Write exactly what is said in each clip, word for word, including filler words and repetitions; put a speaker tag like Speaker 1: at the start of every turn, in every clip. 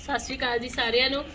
Speaker 1: ਸਤਿ ਸ਼੍ਰੀ ਅਕਾਲ ਜੀ ਸਾਰਿਆਂ ਨੂੰ।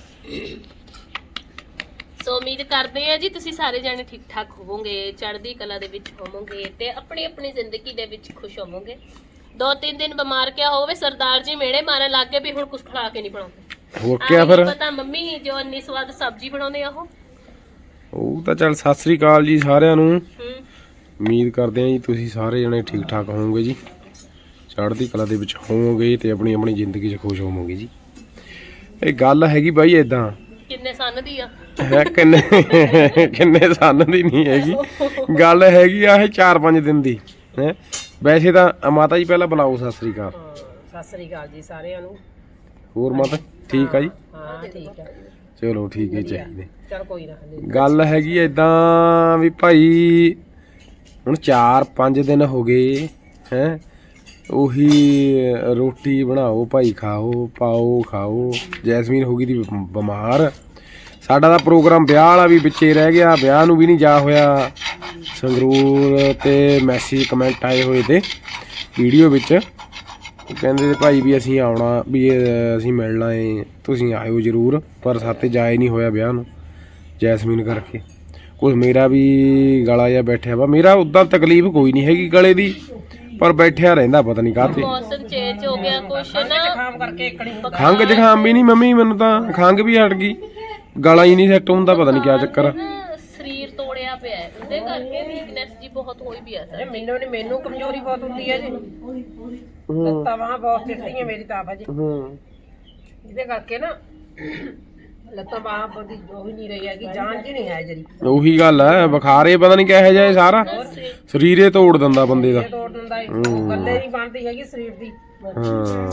Speaker 1: ਸੋ ਉਮੀਦ ਕਰਦੇ ਆ ਜੀ ਤੁਸੀਂ ਸਾਰੇ ਜਾਣੇ ਠੀਕ ਠਾਕ ਹੋਵੋਗੇ, ਚੜ੍ਹਦੀ ਕਲਾ ਦੇ ਵਿੱਚ ਹੋਵੋਗੇ ਤੇ ਆਪਣੀ ਆਪਣੀ ਜ਼ਿੰਦਗੀ ਦੇ ਵਿੱਚ ਖੁਸ਼ ਹੋਵੋਗੇ। ਦੋ ਤਿੰਨ ਦਿਨ ਬਿਮਾਰ ਕਿਆ ਹੋਵੇ, ਸਰਦਾਰ ਜੀ ਮੇੜੇ ਮਾਰਨ ਲੱਗ ਗਏ ਵੀ ਹੁਣ ਕੁਝ ਖਾ ਕੇ ਨਹੀਂ ਬਣਾਉਂਦੇ।
Speaker 2: ਹੋਰ ਕਿਆ ਫਿਰ
Speaker 1: ਪਤਾ ਮੰਮੀ ਜੋ ਇੰਨੀ ਸਵਾਦ ਸਬਜ਼ੀ ਬਣਾਉਂਦੇ ਆ ਉਹ
Speaker 2: ਉਹ ਤਾਂ ਚੱਲ। ਸਤਿ ਸ੍ਰੀ ਅਕਾਲ ਜੀ ਸਾਰਿਆਂ ਨੂੰ।
Speaker 1: ਹੂੰ
Speaker 2: ਉਮੀਦ ਕਰਦੇ ਆ ਜੀ ਤੁਸੀਂ ਸਾਰੇ ਜਣੇ ਠੀਕ ਠਾਕ ਹੋਵੋਗੇ ਜੀ, ਚੜ੍ਹਦੀ ਕਲਾ ਦੇ ਵਿੱਚ ਹੋਵੋਗੇ ਤੇ ਆਪਣੀ ਆਪਣੀ ਜ਼ਿੰਦਗੀ 'ਚ ਖੁਸ਼ ਹੋਵੋਗੇ ਜੀ। ਇਹ ਗੱਲ ਹੈਗੀ ਬਾਈ ਇਦਾਂ,
Speaker 1: ਕਿੰਨੇ ਸੰਨ ਦੀ ਆ
Speaker 2: ਹੈ ਕਿੰਨੇ ਕਿੰਨੇ ਸੰਨ ਦੀ ਨਹੀਂ ਹੈਗੀ ਗੱਲ, ਹੈਗੀ ਆ ਇਹ ਚਾਰ ਪੰਜ ਦਿਨ ਦੀ ਹੈ। ਵੈਸੇ ਤਾਂ ਮਾਤਾ ਜੀ ਪਹਿਲਾਂ ਬੁਲਾਓ ਸਤਿ ਸ੍ਰੀ ਅਕਾਲ।
Speaker 3: ਸਤਿ ਸ੍ਰੀ ਅਕਾਲ ਜੀ ਸਾਰਿਆਂ ਨੂੰ।
Speaker 2: ਹੋਰ ਮਾਤਾ ਠੀਕ ਆ ਜੀ?
Speaker 3: ਹਾਂ ਠੀਕ ਆ,
Speaker 2: ਚਲੋ ਠੀਕ ਹੈ ਚਾਹੀਦੇ।
Speaker 3: ਚਲ ਕੋਈ ਨਾ।
Speaker 2: ਗੱਲ ਹੈਗੀ ਏਦਾਂ ਵੀ ਭਾਈ ਹੁਣ ਚਾਰ ਪੰਜ ਦਿਨ ਹੋ ਗਏ ਹੈ, ਉਹੀ ਰੋਟੀ ਬਣਾਓ ਭਾਈ, ਖਾਓ ਪਾਓ ਖਾਓ। ਜੈਸਮੀਨ ਹੋ ਗਈ ਦੀ ਬਿਮਾਰ। ਸਾਡਾ ਤਾਂ ਪ੍ਰੋਗਰਾਮ ਵਿਆਹ ਵਾਲਾ ਵੀ ਵਿੱਚੇ ਰਹਿ ਗਿਆ, ਵਿਆਹ ਨੂੰ ਵੀ ਨਹੀਂ ਜਾ ਹੋਇਆ। ਸੰਗਰੂਰ ਤੇ ਮੈਸੇਜ ਕਮੈਂਟ ਆਏ ਹੋਏ ਤੇ ਵੀਡੀਓ ਵਿੱਚ, ਕਹਿੰਦੇ ਤੇ ਭਾਈ ਵੀ ਅਸੀਂ ਆਉਣਾ, ਵੀ ਅਸੀਂ ਮਿਲਣਾ ਏ, ਤੁਸੀਂ ਆਇਓ ਜ਼ਰੂਰ। ਪਰ ਸਾਤੇ ਜਾਏ ਨਹੀਂ ਹੋਇਆ ਵਿਆਹ ਨੂੰ ਜੈਸਮੀਨ ਕਰਕੇ। ਕੁਛ ਮੇਰਾ ਵੀ ਗਲਾ ਜਿਹਾ ਬੈਠਿਆ ਵਾ। ਮੇਰਾ ਉੱਦਾਂ ਤਕਲੀਫ ਕੋਈ ਨਹੀਂ ਹੈਗੀ ਗਲੇ ਦੀ, ਪਰ ਬੈਠਿਆ ਰਹਿੰਦਾ ਪਤਾ ਨਹੀਂ ਕਾਹਤੇ।
Speaker 1: ਮੌਸਮ ਚੇਂਜ ਹੋ ਗਿਆ ਕੁਛ ਨਾ,
Speaker 3: ਜ਼ੁਕਾਮ ਕਰਕੇ ਇਕਣੀ
Speaker 2: ਖੰਘ ਜ਼ੁਕਾਮ ਵੀ ਨਹੀਂ ਮੰਮੀ, ਮੈਨੂੰ ਤਾਂ ਖੰਘ ਵੀ ਹਟ ਗਈ, ਗਲਾ ਹੀ ਨਹੀਂ ਸੈੱਟ ਹੁੰਦਾ, ਪਤਾ ਨਹੀਂ ਕਿਆ ਚੱਕਰ ਆ।
Speaker 1: ਸਰੀਰ ਤੋੜਿਆ ਪਿਆ ਹੈ, ਉਹਦੇ ਕਰਕੇ ਵੀਕਨੈਸ ਜੀ ਬਹੁਤ ਹੋਈ ਵੀ ਆ ਸਰ।
Speaker 3: ਮੈਨੂੰ ਨੇ ਮੈਨੂੰ ਕਮਜ਼ੋਰੀ ਬਹੁਤ ਹੁੰਦੀ ਹੈ ਜੀ, ਲੱਤਾਂ ਬਾਹਾਂ ਬਹੁਤ ਚਿੱਟੀਆਂ ਮੇਰੀ ਤਾਂ ਆਪ ਜੀ।
Speaker 2: ਹੂੰ
Speaker 3: ਇਹਦੇ ਕਰਕੇ ਨਾ ਲੱਤਾਂ ਬਾਹਾਂ ਬੰਦੀ ਜੋ ਹੀ ਨਹੀਂ ਰਹੀ ਹੈਗੀ, ਜਾਨ ਜੀ ਨਹੀਂ ਹੈ ਜਰੀ।
Speaker 2: ਉਹੀ ਗੱਲ ਹੈ, ਬੁਖਾਰੇ ਪਤਾ ਨਹੀਂ ਕਿਹੋ ਜਿਹਾ ਸਾਰਾ ਸਰੀਰੇ ਤੋੜ ਦਿੰਦਾ ਬੰਦੇ ਦਾ।
Speaker 3: ਤੋੜ ਦਿੰਦਾ ਏ, ਗੱਲੇ ਨਹੀਂ ਬਣਦੀ ਹੈਗੀ ਸਰੀਰ ਦੀ।
Speaker 2: ਹਾਂ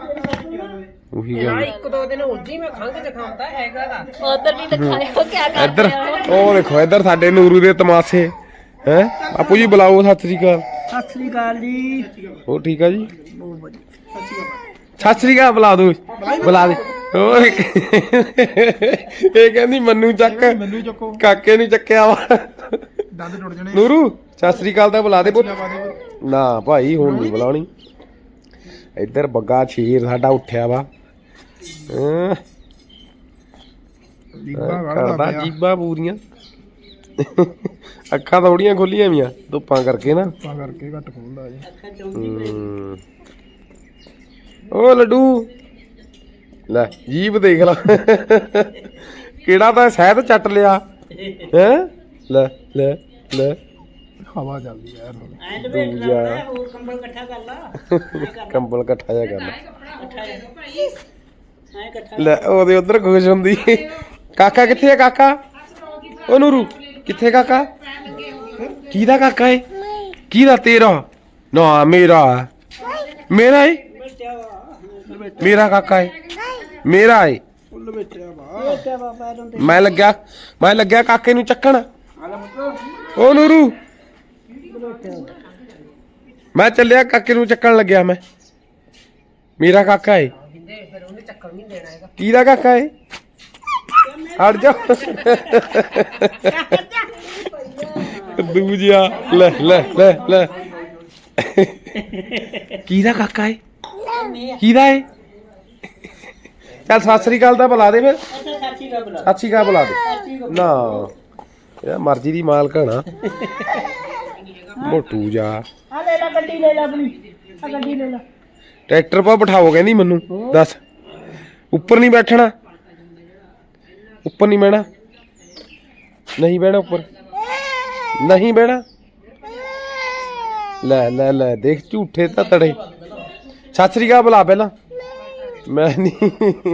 Speaker 2: ਉਹੀ
Speaker 3: ਨਾ
Speaker 2: ਗੱਲ।
Speaker 3: ਇੱਕ ਦੋ ਦਿਨ ਹੋ ਜੀ ਮੈਂ ਖੰਘ ਜ਼ੁਕਾਮ ਤਾਂ ਹੈਗਾ ਦਾ।
Speaker 1: ਉਧਰ ਵੀ ਦਿਖਾਇਓ ਕਿਆ ਕਰਦੇ
Speaker 2: ਇੱਧਰ
Speaker 1: ਆ।
Speaker 2: ਉਹ ਦੇਖੋ, ਇੱਧਰ ਸਾਡੇ ਨੂਰੂ ਦੇ ਤਮਾਸ਼ੇ ਹੈ। ਆਪੂ ਜੀ ਬੁਲਾਓ ਸਤਿ ਸ੍ਰੀ ਅਕਾਲ।
Speaker 3: ਸਤਿ ਸ੍ਰੀ ਅਕਾਲ ਜੀ।
Speaker 2: ਹੋਰ ਠੀਕ ਆ ਜੀ? ਸਤਿ ਸ੍ਰੀ ਅਕਾਲ ਬੁਲਾ ਦੋ, ਬੁਲਾ ਦੇ। ਹੋਰ ਇਹ ਕਹਿੰਦੀ ਮੰਨੂ ਚੱਕ, ਕਾਕੇ ਨੂੰ ਚੱਕਿਆ ਵਾ।
Speaker 4: ਦੰਦ ਟੁੱਟ ਜਾਣੇ।
Speaker 2: ਨੂਰੂ ਸਤਿ ਸ੍ਰੀ ਅਕਾਲ ਤਾਂ ਬੁਲਾ ਦੇ ਪੁੱਤ। ਨਾ ਭਾਈ ਹੁਣ ਨਹੀਂ ਬੁਲਾਉਣੀ। ਇੱਧਰ ਬੱਗਾ ਸ਼ੇਰ ਸਾਡਾ ਉੱਠਿਆ ਵਾ, ਹਾਂ ਕਰਦਾ ਜੀਬਾਂ ਪੂਰੀਆਂ। ਅੱਖਾਂ ਥੋੜੀਆਂ ਖੋਲੀਆਂ ਵੀਆਂ ਧੁੱਪਾਂ ਕਰਕੇ ਨਾ,
Speaker 4: ਧੁੱਪਾਂ ਕਰਕੇ ਘੱਟ ਖੋਲਦਾ ਜੀ।
Speaker 2: ਹੂੰ। ਓ ਲੱਡੂ ਲੈ ਜੀਭ ਦੇਖ ਲਾ, ਕਿਹੜਾ ਤਾਂ ਸ਼ਹਿਦ ਚੱਟ ਲਿਆ ਹੈ। ਲੈ ਲੈ ਲੈ
Speaker 4: ਹਵਾ ਚੱਲਦੀ ਯਾਰ ਹੁਣ।
Speaker 2: ਦੂਜਾ
Speaker 3: ਕੰਬਲ ਇਕੱਠਾ ਕਰ ਲਾ,
Speaker 2: ਕੰਬਲ ਇਕੱਠਾ ਜਿਹਾ ਕਰ ਲੈ। ਉਹਦੇ ਉਧਰ ਖੁਸ਼ ਹੁੰਦੀ। ਕਾਕਾ ਕਿੱਥੇ ਆ? ਕਾਕਾ ਓ ਨੂਰੂ ਕਿੱਥੇ? ਕਾਕਾ ਕਿਹਦਾ ਕਾਕਾ ਏ? ਕਿਹਦਾ? ਤੇਰਾ ਨਾ ਮੇਰਾ? ਮੇਰਾ ਏ, ਮੇਰਾ ਕਾਕਾ ਏ, ਮੇਰਾ ਏ। ਮੈਂ ਲੱਗਿਆ ਮੈਂ ਲੱਗਿਆ ਕਾਕੇ ਨੂੰ ਚੱਕਣ। ਓ ਨੂਰੂ ਮੈਂ ਚੱਲਿਆ, ਕਾਕੇ ਨੂੰ ਚੱਕਣ ਲੱਗਿਆ ਮੈਂ। ਮੇਰਾ ਕਾਕਾ ਏ।
Speaker 3: ਫਿਰ ਉਹਨੇ ਚੱਕਰ ਨਹੀਂ ਦੇਣਾ ਹੈਗਾ।
Speaker 2: ਕਿਹਦਾ ਕਾਕਾ ਏ? ਹਟ ਜਾ ਦੂਜਿਆ। ਲੈ ਲੈ ਲੈ ਲੈ ਕਿਹਦਾ ਕਾਕਾ ਏ? ਕਿਹਦਾ ਏ? ਚੱਲ ਸਤਿ ਸ੍ਰੀ ਅਕਾਲ ਤਾਂ ਬੁਲਾ ਦੇ ਫਿਰ। ਸਤਿ ਸ੍ਰੀ ਅਕਾਲ ਬੁਲਾ ਦੇ ਨਾ, ਇਹ ਮਰਜ਼ੀ ਦੀ ਮਾਲਕ ਨਾ ਮੋਟੂ ਜਾ।
Speaker 3: ਆ ਲੈ ਲੈ ਗੱਡੀ, ਲੈ ਲੈ ਆਪਣੀ ਆ ਗੱਡੀ ਲੈ ਲੈ।
Speaker 2: ਟਰੈਕਟਰ ਪਾ ਬਿਠਾਓ ਕਹਿੰਦੀ ਮੈਨੂੰ। ਦੱਸ ਉੱਪਰ ਨਹੀਂ ਬੈਠਣਾ? ਉੱਪਰ ਨਹੀਂ ਬਹਿਣਾ? ਨਹੀਂ ਬਹਿਣਾ ਉੱਪਰ, ਨਹੀਂ ਬਹਿਣਾ। ਲੈ ਲੈ ਲੈ ਦੇਖ ਝੂਠੇ ਤਾਂ ਤੜੇ। ਸਤਿ ਸ੍ਰੀ ਅਕਾਲ ਬੁਲਾ ਪਹਿਲਾਂ। ਮੈਂ ਨਹੀਂ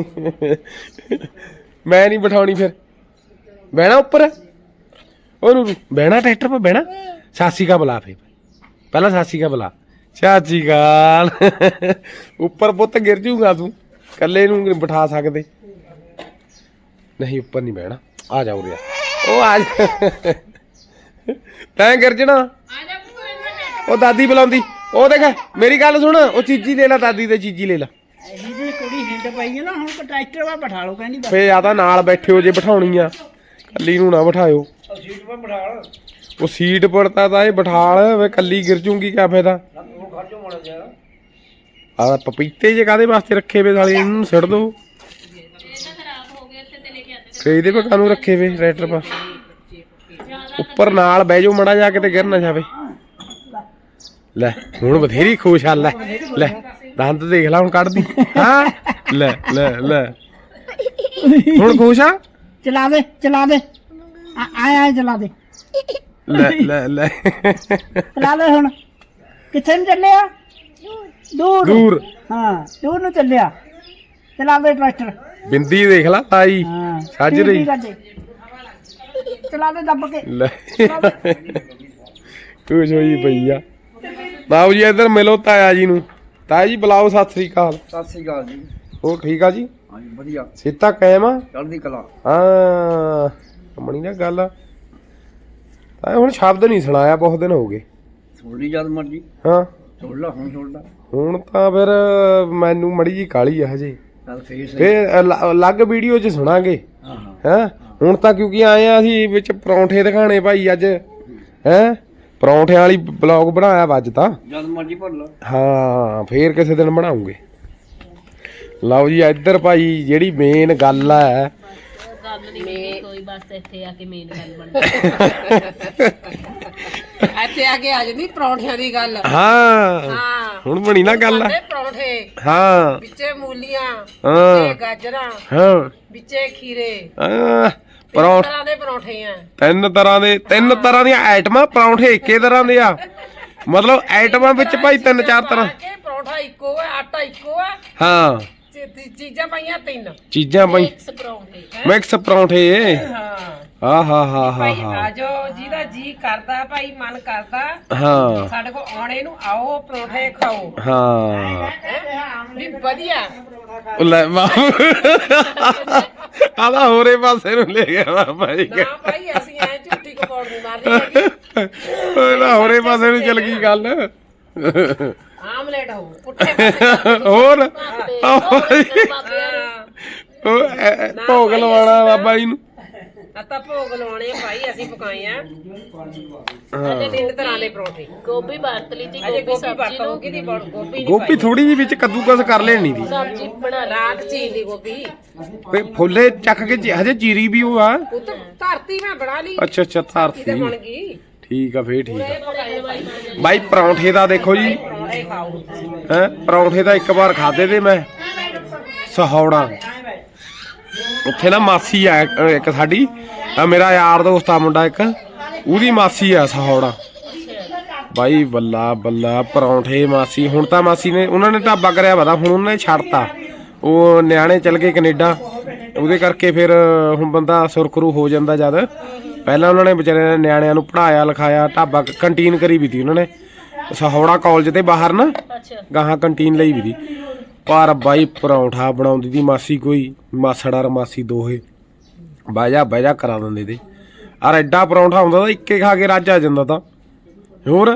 Speaker 2: ਮੈਂ ਨਹੀਂ ਬਿਠਾਉਣੀ, ਫਿਰ ਬਹਿਣਾ ਉੱਪਰ। ਉਹਨੂੰ ਬਹਿਣਾ ਟਰੈਕਟਰ 'ਤੇ ਬਹਿਣਾ। ਸਤਿ ਸ੍ਰੀ ਅਕਾਲ ਬੁਲਾ ਫਿਰ ਪਹਿਲਾਂ, ਸਤਿ ਸ੍ਰੀ ਅਕਾਲ ਬੁਲਾ। ਸਤਿ ਸ੍ਰੀ ਅਕਾਲ। ਉੱਪਰ ਪੁੱਤ ਗਿਰ ਜੂਗਾ ਤੂੰ, ਇਕੱਲੇ ਨੂੰ ਬਿਠਾ ਸਕਦੇ ਨਹੀਂ। ਉੱਪਰ ਨਹੀਂ ਬਹਿਣਾ। ਆ ਜਾ ਉਰੇ, ਉਹ ਆ ਜਾ। ਤੈਂ ਗਿਰ ਜਾਣਾ। ਉਹ ਦਾਦੀ ਬੁਲਾਉਂਦੀ। ਉਹ ਦੇਖ ਮੇਰੀ ਗੱਲ ਸੁਣ, ਉਹ ਚੀਜ਼ੀ ਲੈ ਲਾ, ਦਾਦੀ ਤੇ ਚੀਜ਼ੀ ਲੈ ਲਾ।
Speaker 3: ਇਹਦੀ ਕੁੜੀ ਹਿੰਡ ਪਈ ਹੈ ਨਾ, ਹੁਣ ਟਰੈਕਟਰ ਵਾ ਬਿਠਾ ਲਓ ਕਹਿੰਦੀ।
Speaker 2: ਫੇ ਆ ਤਾਂ ਨਾਲ ਬੈਠਿਓ ਜੇ ਬਿਠਾਉਣੀ ਆ, ਕੱਲੀ ਨੂੰ ਨਾ ਬਿਠਾਇਓ।
Speaker 3: ਸੀਟ 'ਤੇ ਬਿਠਾ।
Speaker 2: ਉਹ ਸੀਟ ਪਰ ਤਾਂ ਤਾਂ ਇਹ ਬਿਠਾਲ ਵੇ, ਕੱਲੀ ਗਿਰ ਜੂਗੀ ਕਿਆ ਫਾਇਦਾ। ਆ ਪਪੀਤੇ ਜੇ ਕਾਦੇ ਵਾਸਤੇ ਰੱਖੇ ਵੇ ਸਾਲੇ, ਇਹਨੂੰ ਸਿੱਟ ਦੋ। ਤੇ ਇਹਦੇ ਪਾ ਕਾਨੂੰ ਰੱਖੇ ਵੇ ਟਰੈਕਟਰ ਪਾ ਉੱਪਰ ਨਾਲ ਬਹਿ ਜਾਓ ਮੜਾ ਜਾ ਕੇ ਤੇ ਗਿਰ ਨਾ ਜਾਵੇ। ਲੈ ਹੁਣ ਬਥੇਰੀ ਖੁਸ਼ ਆ। ਲੈ ਲੈ ਦੰਦ ਦੇਖ ਲੈ ਹੁਣ ਕੱਢਦੀ ਹਾਂ। ਲੈ ਲੈ ਲੈ ਹੁਣ ਖੁਸ਼ ਆ।
Speaker 5: ਚਲਾ ਦੇ ਚਲਾ ਦੇ ਆਏ ਆਏ ਚਲਾ ਦੇ
Speaker 2: ਲੈ ਲੈ ਲੈ
Speaker 5: ਚਲਾ ਦੇ ਹੁਣ। ਕਿੱਥੇ ਨੂੰ ਚੱਲਿਆ? ਦੂਰ
Speaker 2: ਦੂਰ
Speaker 5: ਹਾਂ ਦੂਰ ਨੂੰ ਚੱਲਿਆ। ਚਲਾ ਦੇ ਟਰੈਕਟਰ।
Speaker 2: ਬਿੰਦੀ ਦੇਖ ਲਾ ਤਾਈ
Speaker 5: ਹਾਂ
Speaker 2: ਸੱਜ ਰਹੀ।
Speaker 5: ਚਲਾ ਦੇ ਦੱਬ ਕੇ।
Speaker 2: ਲੈ ਖੁਸ਼ ਹੋਈ ਪਈ ਆ। ਬਾਬੂ ਜੀ ਇੱਧਰ ਮਿਲੋ ਤਾਇਆ ਜੀ ਨੂੰ। ਤਾਇਆ ਜੀ ਬੁਲਾਓ ਸਤਿ ਸ੍ਰੀ ਅਕਾਲ।
Speaker 6: ਸਤਿ ਸ੍ਰੀ ਅਕਾਲ ਜੀ।
Speaker 2: ਹੋਰ ਠੀਕ ਆ ਜੀ?
Speaker 6: ਹਾਂਜੀ ਵਧੀਆ
Speaker 2: ਸਿੱਧਾ ਕਾਇਮ ਆ।
Speaker 6: ਚੜ੍ਹਦੀ ਕਲਾ।
Speaker 2: ਹਾਂ ਕੰਮਣੀ ਨਾ ਗੱਲ ਆ ਤਾਇਆ ਹੁਣ ਸ਼ਬਦ ਨਹੀਂ ਸੁਣਾਇਆ ਬਹੁਤ ਦਿਨ ਹੋ ਗਏ।
Speaker 6: ਸੁਣ ਲਈ ਜਦ ਮਰਜੀ
Speaker 2: ਹਾਂ
Speaker 6: ਸੁਣ ਲਾ ਹੁਣ ਸੁਣ ਲਾ।
Speaker 2: ਹੁਣ ਤਾਂ ਫਿਰ ਮੈਨੂੰ ਮੜੀ ਜੀ ਕਾਲੀ ਆ ਹਜੇ।
Speaker 6: ਚੱਲ ਫੇਰ ਸਹੀ।
Speaker 2: ਫੇਰ ਅਲ- ਅਲੱਗ ਵੀਡੀਓ 'ਚ ਸੁਣਾਂਗੇ
Speaker 6: ਹਾਂ ਹਾਂ
Speaker 2: ਹੈਂ। ਹੁਣ ਤਾਂ ਕਿਉਂਕਿ ਆਏ ਆ ਅਸੀਂ ਵਿੱਚ ਪਰੌਂਠੇ ਦਿਖਾਣੇ ਭਾਈ ਅੱਜ ਹੈਂ। ਪਰੌਂਠਿਆਂ ਵਾਲੀ ਬਲੌਗ ਬਣਾਇਆ ਵਾ ਅੱਜ ਤਾਂ।
Speaker 6: ਜਦ ਮਰਜੀ ਭਰ ਲਾ।
Speaker 2: ਹਾਂ ਫੇਰ ਕਿਸੇ ਦਿਨ ਬਣਾਉਂਗੇ। ਲਓ ਜੀ ਇੱਧਰ ਭਾਈ ਜਿਹੜੀ ਮੇਨ ਗੱਲ ਆ
Speaker 1: ਗੱਲ ਨਹੀਂ ਮੇਰੀ ਕੋਈ, ਬਸ ਇੱਥੇ ਆ ਕੇ ਮੇਨ ਗੱਲ ਬਣ
Speaker 3: ਇੱਥੇ ਆ ਕੇ ਆ ਜਾਂਦੀ ਪਰੌਂਠਿਆਂ ਦੀ ਗੱਲ।
Speaker 2: ਹਾਂ
Speaker 3: ਹਾਂ
Speaker 2: ਹੁਣ ਬਣੀ ਨਾ ਗੱਲ
Speaker 3: ਤੇ ਪਰੌਂਠੇ
Speaker 2: ਹਾਂ
Speaker 3: ਵਿੱਚੇ ਮੂਲੀਆਂ
Speaker 2: ਹਾਂ
Speaker 3: ਵਿੱਚੇ ਗਾਜਰਾਂ
Speaker 2: ਹਾਂ
Speaker 3: ਵਿੱਚੇ ਖੀਰੇ।
Speaker 2: ਹਾਂ
Speaker 3: ਤਿੰਨ
Speaker 2: ਪਰੌਂਠ
Speaker 3: ਤਰ੍ਹਾਂ ਦੇ ਪਰੌਂਠੇ ਆ।
Speaker 2: ਤਿੰਨ ਤਰ੍ਹਾਂ ਦੇ ਤਿੰਨ ਤਰ੍ਹਾਂ ਦੀਆਂ ਆਈਟਮਾਂ ਪਰੌਂਠੇ ਇੱਕੇ ਤਰ੍ਹਾਂ ਦੇ ਆ। ਮਤਲਬ ਆਈਟਮਾਂ ਵਿੱਚ ਭਾਈ ਤਿੰਨ ਚਾਰ ਤਰ੍ਹਾਂ।
Speaker 3: ਕਿ ਪਰੌਂਠਾ ਇੱਕੋ ਆ ਆਟਾ ਇੱਕੋ ਆ
Speaker 2: ਹਾਂ
Speaker 3: ਚੀ- ਚੀ- ਚੀਜ਼ਾਂ ਪਾਈਆਂ ਤਿੰਨ।
Speaker 2: ਚੀਜ਼ਾਂ ਭਾਈ
Speaker 1: ਮਿਕਸ ਪਰੌਂਠੇ।
Speaker 2: ਮਿਕਸ ਪਰੌਂਠੇ।
Speaker 3: ਹਾਂ
Speaker 2: ਆ ਹਾ ਹਾ ਹਾ
Speaker 3: ਭਾਈ
Speaker 2: ਹਾ
Speaker 3: ਆਜੋ ਜਿਹਦਾ ਜੀ ਕਰਦਾ ਭਾਈ ਮਨ ਕਰਦਾ
Speaker 2: ਹਾਂ
Speaker 3: ਸਾਡੇ ਕੋਲ ਆਉਣੇ ਨੂੰ ਆਓ ਪਰੌਂਠੇ ਖਾਓ।
Speaker 2: ਹਾਂ
Speaker 3: ਹੈਂ? ਵੀ ਵਧੀਆ।
Speaker 2: ਉਹ ਲੈ ਬਾਬੂ ਆਦਾ ਹੋਰੇ ਪਾਸੇ ਨੂੰ ਲੈ ਗਿਆ ਬਾਬਾ ਜੀ।
Speaker 3: ਨਾ ਭਾਈ ਅਸੀਂ ਐ ਝੂਠੀ ਕਪੌੜ ਨਹੀਂ ਮਾਰਨੀ ਹੈਗੀ।
Speaker 2: ਉਹ ਨਾ ਹੋਰੇ ਪਾਸੇ ਨੂੰ ਚੱਲ ਗਈ ਗੱਲ।
Speaker 3: ਆਮਲੇਟ ਹੋ ਪੁੱਠੇ ਪਾਸੇ।
Speaker 2: ਹੋਰ
Speaker 1: ਬਾਬੇ
Speaker 3: ਹਾਂ
Speaker 2: ਉਹ ਐ- ਐ ਭੋਗ ਲਵਾਉਣਾ ਬਾਬਾ ਜੀ ਨੂੰ।
Speaker 3: ਆਪਾਂ ਭੋਗ ਲਾਉਣੇ ਆ ਭਾਈ ਅਸੀਂ ਪਕਾਏ ਆ
Speaker 2: ਹਾਂ
Speaker 3: ਤਿੰਨ ਤਰ੍ਹਾਂ ਦੇ ਪਰੌਂਠੇ।
Speaker 1: ਗੋਭੀ ਵਰਤ ਲਈ ਜੀ।
Speaker 3: ਅਜੇ
Speaker 1: ਗੋਭੀ
Speaker 3: ਗੋਭੀ
Speaker 1: ਸਬਜ਼ੀ
Speaker 3: ਵਰਤੋ
Speaker 1: ਨੂੰ
Speaker 3: ਕਿਹਦੀ ਬਣ ਗੋਭੀ ਨਹੀਂ
Speaker 2: ਗੋਭੀ ਥੋੜੀ ਜਿਹੀ ਵਿੱਚ ਕੱਦੂਕਸ ਕਰ ਲੈਣੀ ਦੀ
Speaker 1: ਸਬਜ਼ੀ ਬਣਾ ਲਈ।
Speaker 3: ਰਾਤ ਚੀਨ ਦੀ ਗੋਭੀ
Speaker 2: ਤੇ ਫੁੱਲੇ ਚੱਕ ਕੇ ਜੀ- ਹਜੇ ਚੀਰੀ ਵੀ ਉਹ ਆ।
Speaker 3: ਉਹ ਤਾਂ ਧਰਤੀ ਮੈਂ ਬਣਾ ਲਈ।
Speaker 2: ਅੱਛਾ ਅੱਛਾ
Speaker 3: ਧਰਤੀ ਤੇ
Speaker 2: ਧਰਤੀ
Speaker 3: ਬਣ ਗਈ।
Speaker 2: ਠੀਕ ਆ ਫੇਰ ਠੀਕ ਆ ਬਾਈ। ਪਰੌਂਠੇ ਦਾ ਦੇਖੋ ਜੀ
Speaker 3: ਪਰੌਂਠੇ ਖਾਓ।
Speaker 2: ਹੈ ਪਰੌਂਠੇ ਤਾਂ ਇੱਕ ਵਾਰ ਖਾਦੇ ਤੇ ਮੈਂ ਸਹੌੜਾ। ਉੱਥੇ ਨਾ ਮਾਸੀ ਆ ਇੱਕ- ਇੱਕ ਸਾਡੀ ਆ ਮੇਰਾ ਯਾਰ ਦੋਸਤ ਆ ਮੁੰਡਾ ਇੱਕ ਉਹਦੀ ਮਾਸੀ ਆ ਸਹੌੜਾ ਬਾਈ। ਬੱਲਾ ਬੱਲਾ ਪਰੌਂਠੇ ਮਾਸੀ। ਹੁਣ ਤਾਂ ਮਾਸੀ ਨੇ ਉਹਨਾਂ ਨੇ ਢਾਬਾ ਕਰਿਆ ਪਤਾ ਹੁਣ ਉਹਨਾਂ ਨੇ ਛੱਡਤਾ। ਉਹ ਨਿਆਣੇ ਚਲ ਗਏ ਕੈਨੇਡਾ ਉਹਦੇ ਕਰਕੇ ਫਿਰ ਹੁਣ ਬੰਦਾ ਸੁਰਖਰੂ ਹੋ ਜਾਂਦਾ ਜਦ। ਪਹਿਲਾਂ ਉਹਨਾਂ ਨੇ ਵਿਚਾਰੇ ਨੇ ਨਿਆਣਿਆਂ ਨੂੰ ਪੜ੍ਹਾਇਆ ਲਿਖਾਇਆ ਢਾਬਾ ਕੰਟੀਨ ਕਰੀ ਵੀ ਤੀ ਉਹਨਾਂ ਨੇ ਸਹੌੜਾ ਕਾਲਜ ਦੇ ਬਾਹਰ ਨਾ
Speaker 1: ਅੱਛਾ
Speaker 2: ਗਾਹਾਂ ਕੰਟੀਨ ਲਈ ਵੀ ਤੀ। ਪਰ ਬਾਈ ਪਰੌਂਠਾ ਬਣਾਉਂਦੀ ਦੀ ਮਾਸੀ ਕੋਈ ਮਾਸੜਾ ਮਾਸੀ ਦੋਹੇ ਬਾਜਾ ਬਾਜਾ ਕਰਾ ਦਿੰਦੇ ਤੇ। ਔਰ ਐਡਾ ਪਰੌਂਠਾ ਹੁੰਦਾ ਤਾਂ ਇੱਕੇ ਖਾ ਕੇ ਰੱਜ ਆ ਜਾਂਦਾ ਤਾਂ। ਹੋਰ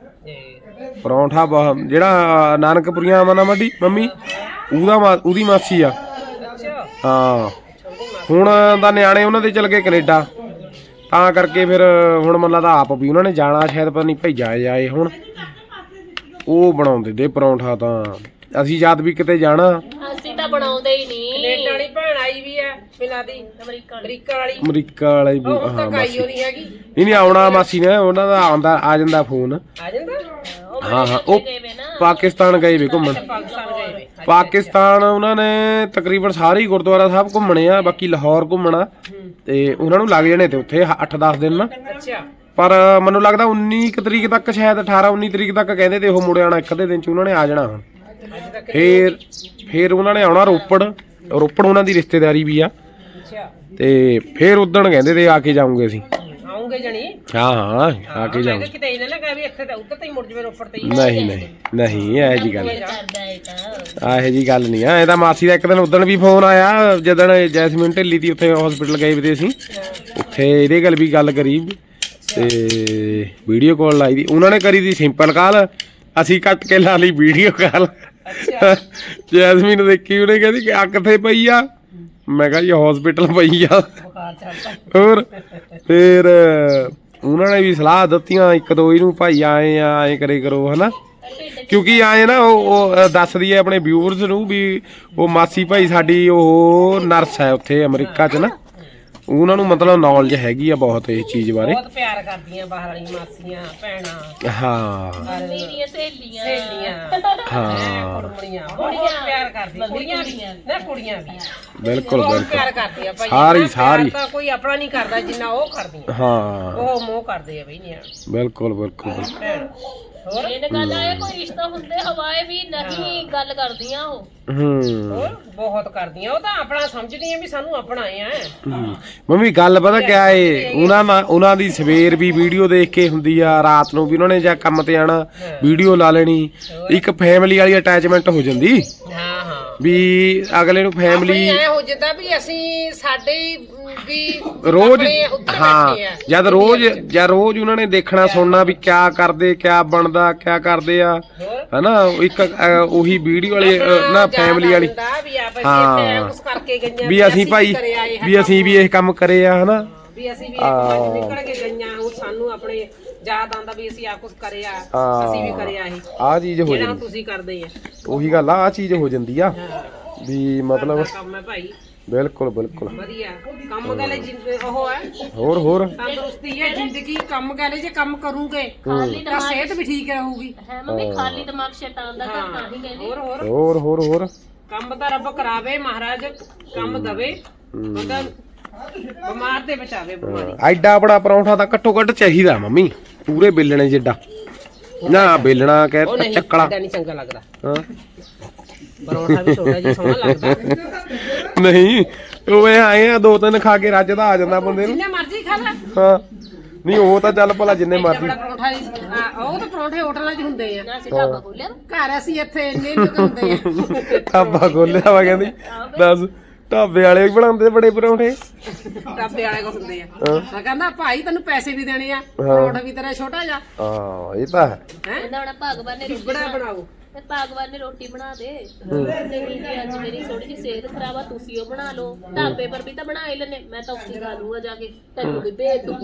Speaker 2: ਪਰੌਂਠਾ ਬਹੁਤ ਜਿਹੜਾ ਨਾਨਕਪੁਰੀਆਂ ਮਨਾ ਮੱਡੀ ਮੰਮੀ ਉਹਦਾ ਮਾ- ਉਹਦੀ ਮਾਸੀ ਆ।
Speaker 3: ਅੱਛਾ
Speaker 2: ਹਾਂ ਹੁਣ ਦਾ ਨਿਆਣੇ ਉਹਨਾਂ ਦੇ ਚਲ ਗਏ ਕੈਨੇਡਾ ਤਾਂ ਕਰਕੇ ਫਿਰ ਹੁਣ ਮੈਨੂੰ ਲੱਗਦਾ ਆਪ ਵੀ ਉਹਨਾਂ ਨੇ ਜਾਣਾ ਸ਼ਾਇਦ ਪਤਾ ਨਹੀਂ ਭੇਜਾ ਜਾਏ ਹੁਣ। ਉਹ ਬਣਾਉਂਦੇ ਦੇ ਪਰੌਂਠਾ ਤਾਂ ਅਸੀਂ ਜਦ ਵੀ ਕਿਤੇ ਜਾਣਾ
Speaker 1: ਅਸੀਂ ਤਾਂ ਬਣਾਉਂਦੇ ਹੀ ਨਹੀਂ।
Speaker 3: ਕੈਨੇਡਾ ਵਾਲੀ ਭੈਣ ਆਈ ਵੀ ਆ ਮਿਲਾ ਦੀ
Speaker 1: ਅਮਰੀਕਾ ਵਾਲੀ।
Speaker 3: ਅਮਰੀਕਾ ਵਾਲੀ।
Speaker 2: ਅਮਰੀਕਾ ਵਾਲੇ ਵੀ
Speaker 3: ਉਹ
Speaker 2: ਹਾਂ
Speaker 3: ਤੱਕ
Speaker 2: ਮਾਸੀ
Speaker 3: ਆਈ ਨਹੀਂ ਹੈਗੀ।
Speaker 2: ਨਹੀਂ ਨਹੀਂ ਆਉਣਾ ਮਾਸੀ ਨੇ ਉਹਨਾਂ ਦਾ ਆਉਂਦਾ ਆ ਜਾਂਦਾ ਫੋਨ।
Speaker 3: ਆ ਜਾਂਦਾ
Speaker 1: ਉਹ
Speaker 2: ਹਾਂ ਹਾਂ ਉਹ
Speaker 1: ਗਏ ਵੇ ਨਾ।
Speaker 2: ਪਾਕਿਸਤਾਨ gਏ ਵੇ ਘੁੰਮਣ।
Speaker 3: ਪਾਕਿਸਤਾਨ ਗਏ ਵੇ।
Speaker 2: ਪਾਕਿਸਤਾਨ ਉਹਨਾਂ ਨੇ ਤਕਰੀਬਨ ਸਾਰੇ ਹੀ ਗੁਰਦੁਆਰਾ ਸਾਹਿਬ ਘੁੰਮਣੇ ਆ ਬਾਕੀ ਲਾਹੌਰ ਘੁੰਮਣਾ ਤੇ ਉਹਨਾਂ ਨੂੰ ਲੱਗ ਜਾਣੇ ਤੇ ਉੱਥੇ ਅੱਠ ਦਸ ਦਿਨ ਨਾ।
Speaker 3: ਅੱਛਾ
Speaker 2: ਪਰ ਮੈਨੂੰ ਲੱਗਦਾ ਉੱਨੀ ਕੁ ਤਰੀਕ ਤੱਕ ਸ਼ਾਇਦ ਅਠਾਰਾਂ ਉੱਨੀ ਤਰੀਕ ਤੱਕ ਕਹਿੰਦੇ ਤੇ ਉਹ ਮੁੜ ਆਣਾ ਇੱਕ ਅੱਧੇ ਦਿਨ ਚ ਉਹਨਾਂ ਨੇ ਆ ਜਾਣਾ ਹੁਣ।
Speaker 3: ਅੱਜ ਤੱਕ।
Speaker 2: ਫੇਰ ਫੇਰ ਉਹਨਾਂ ਨੇ ਆਉਣਾ ਰੋਪੜ। ਰੋਪੜ ਉਹਨਾਂ ਦੀ ਰਿਸ਼ਤੇਦਾਰੀ ਵੀ ਆ
Speaker 3: ਅੱਛਾ
Speaker 2: ਤੇ ਫੇਰ ਉਦਣ ਕਹਿੰਦੇ ਤੇ ਆ ਕੇ ਜਾਉਂਗੇ ਅਸੀਂ।
Speaker 3: ਆਉਂਗੇ ਜਣੀ।
Speaker 2: ਹਾਂ ਹਾਂ ਆ ਕੇ ਜਾਉਂਗੇ।
Speaker 3: ਕਿਤੇ ਇਹਨਾਂ ਨਾ ਕਹੇ ਵੀ ਇੱਥੇ ਤਾਂ ਉੱਧਰ ਤੇ ਹੀ ਮੁੜ ਜਵੇ ਰੋਪੜ ਤੇ ਹੀ।
Speaker 2: ਨਹੀਂ ਨਹੀਂ ਨਹੀਂ ਇਹ ਜੀ ਗੱਲ
Speaker 1: ਕਰਦਾ ਹੈ ਤਾਂ
Speaker 2: ਆ ਇਹ ਜੀ ਗੱਲ ਨਹੀਂ ਆ। ਇਹ ਤਾਂ ਮਾਸੀ ਦਾ ਇੱਕ ਦਿਨ ਉਦਣ ਵੀ ਫੋਨ ਆਇਆ ਜਦੋਂ ਜੈਸਮੀਨ ਢਿੱਲੀ ਦੀ ਉੱਥੇ ਹਸਪੀਟਲ ਗਏ ਵੀ ਤੇ ਅਸੀਂ ਉੱਥੇ ਇਹਦੇ ਗੱਲ ਵੀ ਗੱਲ ਕਰੀ ਤੇ ਵੀਡੀਓ ਕਾਲ ਲਾਈ ਦੀ ਉਹਨਾਂ ਨੇ ਕਰੀ ਦੀ ਸਿੰਪਲ ਕਾਲ ਅਸੀਂ ਕੱਟ ਕੇ ਲਾ ਲਈ ਵੀਡੀਓ ਕਾਲ। ਜੈਸਮੀਨ ਦੇਖੀ ਉਹਨੇ ਕਹਿੰਦੀ ਕਿ ਆ ਕਿੱਥੇ ਪਈ ਆ ਮੈਂ ਕਿਹਾ ਜੀ ਹਸਪੀਟਲ ਪਈ ਆ।
Speaker 3: ਬੁਖਾਰ ਚੜਦਾ।
Speaker 2: ਹੋਰ ਫਿਰ ਉਹਨਾਂ ਨੇ ਵੀ ਸਲਾਹ ਦਿੱਤੀਆਂ ਇੱਕ ਦੋ ਇਹਨੂੰ ਭਾਈ ਆਏ ਆ ਐਂ ਕਰੇ ਕਰੋ ਹਨਾ ਕਿਉਂਕਿ ਆਏ ਨਾ ਉਹ ਉਹ ਦੱਸਦੀ ਹੈ ਆਪਣੇ ਵਿਊਅਰਸ ਨੂੰ ਵੀ ਉਹ ਮਾਸੀ ਭਾਈ ਸਾਡੀ ਉਹ ਨਰਸ ਹੈ ਉੱਥੇ ਅਮਰੀਕਾ 'ਚ ਨਾ ਉਹਨਾਂ ਨੂੰ ਮਤਲਬ ਨੌਲੇਜ ਹੈਗੀ ਆ ਬਹੁਤ ਇਹ ਚੀਜ਼ ਬਾਰੇ।
Speaker 3: ਬਹੁਤ ਪਿਆਰ ਕਰਦੀਆਂ ਬਾਹਰ ਵਾਲੀ ਮਾਸੀਆਂ ਭੈਣਾਂ
Speaker 2: ਹਾਂ
Speaker 1: ਮੇਰੀਆਂ ਸਹੇਲੀਆਂ
Speaker 3: ਸਹੇਲੀਆਂ
Speaker 2: ਹਾਂ
Speaker 3: ਕੁੜੀਆਂ ਬਹੁਤ ਪਿਆਰ ਕਰਦੀਆਂ ਕੁੜੀਆਂ ਵੀ ਨਾ ਕੁੜੀਆਂ ਵੀ
Speaker 2: ਬਿਲਕੁਲ
Speaker 3: ਬਹੁਤ
Speaker 2: ਬਿਲਕੁਲ
Speaker 3: ਪਿਆਰ ਕਰਦੀਆਂ ਭਾਈ
Speaker 2: ਸਾਰੀ-
Speaker 3: ਇੰਨਾ ਪਿਆਰ
Speaker 2: ਸਾਰੀ।
Speaker 3: ਤਾਂ ਕੋਈ ਆਪਣਾ ਨਹੀਂ ਕਰਦਾ ਜਿੰਨਾ ਉਹ ਕਰਦੀਆਂ
Speaker 2: ਹਾਂ
Speaker 3: ਉਹ ਮੋਹ ਕਰਦੇ ਆ ਬਈ ਨਿਆਣ
Speaker 2: ਬਿਲਕੁਲ ਬਿਲਕੁਲ ਬਿਲਕੁਲ।
Speaker 3: ਭੈਣ ਹੋਰ
Speaker 1: ਇਹ ਗੱਲ ਆਏ ਕੋਈ ਰਿਸ਼ਤਾ ਹੁੰਦੇ ਹਵਾਏ ਵੀ ਨਹੀਂ ਗੱਲ ਕਰਦੀਆਂ ਉਹ।
Speaker 2: ਹੂੰ
Speaker 3: ਹੋਰ ਬਹੁਤ ਕਰਦੀਆਂ ਉਹ ਤਾਂ ਆਪਣਾ ਸਮਝਦੀਆਂ ਵੀ ਸਾਨੂੰ ਆਪਣਾ ਆ
Speaker 2: ਹੂੰ। ਮੰਮੀ ਗੱਲ ਪਤਾ ਕਿਆ ਏ ਉਹਨਾਂ ਨਾਲ ਉਹਨਾਂ ਦੀ ਸਵੇਰ ਵੀ ਵੀਡੀਓ ਦੇਖ ਕੇ ਹੁੰਦੀ ਆ, ਰਾਤ ਨੂੰ ਵੀ ਉਹਨਾਂ ਨੇ ਜਾਂ ਕੰਮ ਤੇ ਆਣਾ ਵੀਡੀਓ ਲਾ ਲੈਣੀ, ਇੱਕ ਫੈਮਿਲੀ ਵਾਲੀ ਅਟੈਚਮੈਂਟ ਹੋ ਜਾਂਦੀ
Speaker 3: ਹਾਂ ਹਾਂ
Speaker 2: ਵੀ ਅਗਲੇ ਨੂੰ ਫੈਮਿਲੀ
Speaker 3: ਐ ਹੋ ਜਾਂਦਾ ਵੀ ਅਸੀਂ ਸਾਡੇ ਵੀ
Speaker 2: ਰੋਜ਼
Speaker 3: ਆਪਣੇ ਉੱਧਰ
Speaker 2: ਹਾਂ
Speaker 3: ਬੈਠੇ ਆ।
Speaker 2: ਜਦ ਰੋਜ਼ ਜਾਂ ਰੋਜ਼ ਉਹਨਾਂ ਨੇ ਦੇਖਣਾ ਸੁਣਨਾ ਵੀ ਕਿਆ ਕਰਦੇ ਕਿਆ ਬਣਦਾ ਕਿਆ ਕਰਦੇ ਆ
Speaker 3: ਹੋਰ
Speaker 2: ਹਨਾ। ਇੱਕ ਅ, ਉਹੀ ਵੀਡੀਓ ਵਾਲੀ ਅ, ਨਾ ਫੈਮਿਲੀ ਵਾਲੀ
Speaker 3: ਵੀ ਆਪ ਅਸੀਂ
Speaker 2: ਹਾਂ।
Speaker 3: ਇੱਥੇ ਐਂ ਕੁਛ ਕਰਕੇ ਗਈਆਂ
Speaker 2: ਵੀ ਅਸੀਂ ਭਾਈ
Speaker 3: ਕਰੇ ਆਏ ਹਾਂ
Speaker 2: ਵੀ ਅਸੀਂ ਵੀ ਇਹ ਕੰਮ ਕਰੇ ਆ ਹਨਾ।
Speaker 3: ਵੀ ਅਸੀਂ ਵੀ ਇੱਕ ਵਾਰ ਨਿਕਲ ਕੇ ਗਈਆਂ ਉਹ ਸਾਨੂੰ ਆਪਣੇ ਯਾਦ ਆਉਂਦਾ ਵੀ ਅਸੀਂ ਆ ਕੁਛ ਕਰਿਆ
Speaker 2: ਹਾਂ।
Speaker 3: ਅਸੀਂ ਵੀ ਕਰਿਆ ਇਹ
Speaker 2: ਆਹ ਚੀਜ਼ ਹੋ
Speaker 3: ਜਿਹੜਾ
Speaker 2: ਜਾਂਦੀ
Speaker 3: ਤੁਸੀਂ ਕਰਦੇ ਆ
Speaker 2: ਉਹੀ ਗੱਲ ਆ ਆਹ ਚੀਜ਼ ਹੋ ਜਾਂਦੀ ਆ ਵੀ ਮਤਲਬ
Speaker 3: ਦਾ ਕੰਮ ਹੈ ਭਾਈ
Speaker 2: ਬਿਲਕੁਲ ਬਿਲਕੁਲ
Speaker 3: ਵਧੀਆ ਕੰਮ ਗਾਲੇ ਜਿੰਦ ਉਹ ਹੈ
Speaker 2: ਹੋਰ ਹੋਰ
Speaker 3: ਤੰਦਰੁਸਤੀ ਹੈ ਜ਼ਿੰਦਗੀ ਕੰਮ ਗਾਲੇ ਜੇ ਕੰਮ ਕਰੂਗੇ
Speaker 1: ਖਾਲੀ
Speaker 3: ਤਾਂ ਸਿਹਤ ਵੀ ਠੀਕ ਰਹੂਗੀ
Speaker 1: ਹੈ ਮੰਮੀ ਖਾਲੀ ਦਿਮਾਗ ਸ਼ੈਤਾਨ ਦਾ ਘਰ ਤਾਂ ਹੀ ਕਹਿੰਦੀ।
Speaker 3: ਹੋਰ ਹੋਰ
Speaker 2: ਹੋਰ ਹੋਰ ਹੋਰ
Speaker 3: ਕੰਮ ਤਾਂ ਰੱਬ ਕਰਾਵੇ ਮਹਾਰਾਜ ਕੰਮ ਦਵੇ ਬੰਦਾ ਬਿਮਾਰ ਤੇ ਬਚਾਵੇ ਬਿਮਾਰੀ
Speaker 2: ਐਡਾ ਬੜਾ ਪਰੌਂਠਾ ਤਾਂ ਘੱਟੋ ਘੱਟ ਚਾਹੀਦਾ ਮੰਮੀ, ਪੂਰੇ ਬੇਲਣੇ ਜਿੱਡਾ ਨਾ ਬੇਲਣਾ
Speaker 3: ਉਹ
Speaker 2: ਕਹਿ
Speaker 3: ਨਹੀਂ
Speaker 2: ਚੱਕਲਾ
Speaker 3: ਐਡਾ ਨਹੀਂ ਚੰਗਾ ਲੱਗਦਾ
Speaker 2: ਹਾਂ
Speaker 3: ਪਰੌਂਠਾ ਵੀ ਛੋਟਾ ਜਿਹਾ ਸੋਹਣਾ ਲੱਗਦਾ
Speaker 2: ਨਹੀਂ ਉਹ ਇਹ ਆਏ ਆ ਦੋ ਤਿੰਨ ਖਾ ਕੇ ਰੱਜਦਾ ਆ ਜਾਂਦਾ ਬੰਦੇ ਨੂੰ।
Speaker 3: ਜਿੰਨੇ ਮਰਜ਼ੀ ਖਾ ਲੈ
Speaker 2: ਹਾਂ ਨਹੀਂ ਉਹ ਤਾਂ ਚੱਲ ਭਲਾ ਜਿੰਨੇ ਮਰਜ਼ੀ
Speaker 3: ਬੜਾ ਪਰੌਂਠਾ ਜੀ, ਆ, ਉਹ ਤਾਂ ਪਰੌਂਠੇ ਹੋਟਲਾਂ 'ਚ ਹੁੰਦੇ ਆ
Speaker 1: ਨਾ ਅਸੀਂ ਢਾਬਾ ਖੋਲਿਆ
Speaker 3: ਘਰ ਅਸੀਂ ਇੱਥੇ ਇੰਨੇ ਲੋਕ ਹੁੰਦੇ ਆ
Speaker 2: ਢਾਬਾ ਖੋਲਿਆ ਵਾ ਕਹਿੰਦੀ ਦੱਸ ਢਾਬੇ ਵਾਲੇ ਵੀ ਬਣਾਉਂਦੇ ਬੜੇ ਪਰੌਂਠੇ
Speaker 3: ਢਾਬੇ ਵਾਲੇ ਕੋ ਹੁੰਦੇ ਆ ਮੈਂ ਕਹਿੰਦਾ ਭਾਈ ਤੈਨੂੰ ਪੈਸੇ ਵੀ ਦੇਣੇ ਆ ਪਰੌਂਠਾ ਵੀ ਤੇਰਾ ਛੋਟਾ ਜਿਹਾ
Speaker 2: ਹਾਂ ਇਹ ਤਾਂ ਹੈ
Speaker 3: ਹੈ
Speaker 1: ਕਹਿੰਦਾ ਹੁਣ ਭਗਵਾਨ ਨੇ ਰੋਟੀ
Speaker 3: ਬੜਾ ਬਣਾਓ
Speaker 1: ਤੇ ਭਗਵਾਨ ਨੇ ਰੋਟੀ ਬਣਾ ਦੇ ਨਹੀਂ ਜੀ ਅੱਜ ਮੇਰੀ ਥੋੜੀ ਜਿਹੀ ਸਿਹਤ ਖਰਾਬ ਆ ਤੁਸੀਂ ਉਹ ਬਣਾ ਲਓ ਢਾਬੇ ਪਰ ਵੀ ਤਾਂ ਬਣਾ ਹੀ ਲੈਣੇ ਮੈਂ ਤਾਂ ਉੱਥੇ ਖਾ ਲੂੰਗਾ ਜਾ ਕੇ ਤੈਨੂੰ ਵੀ ਭੇਜ ਦੂੰ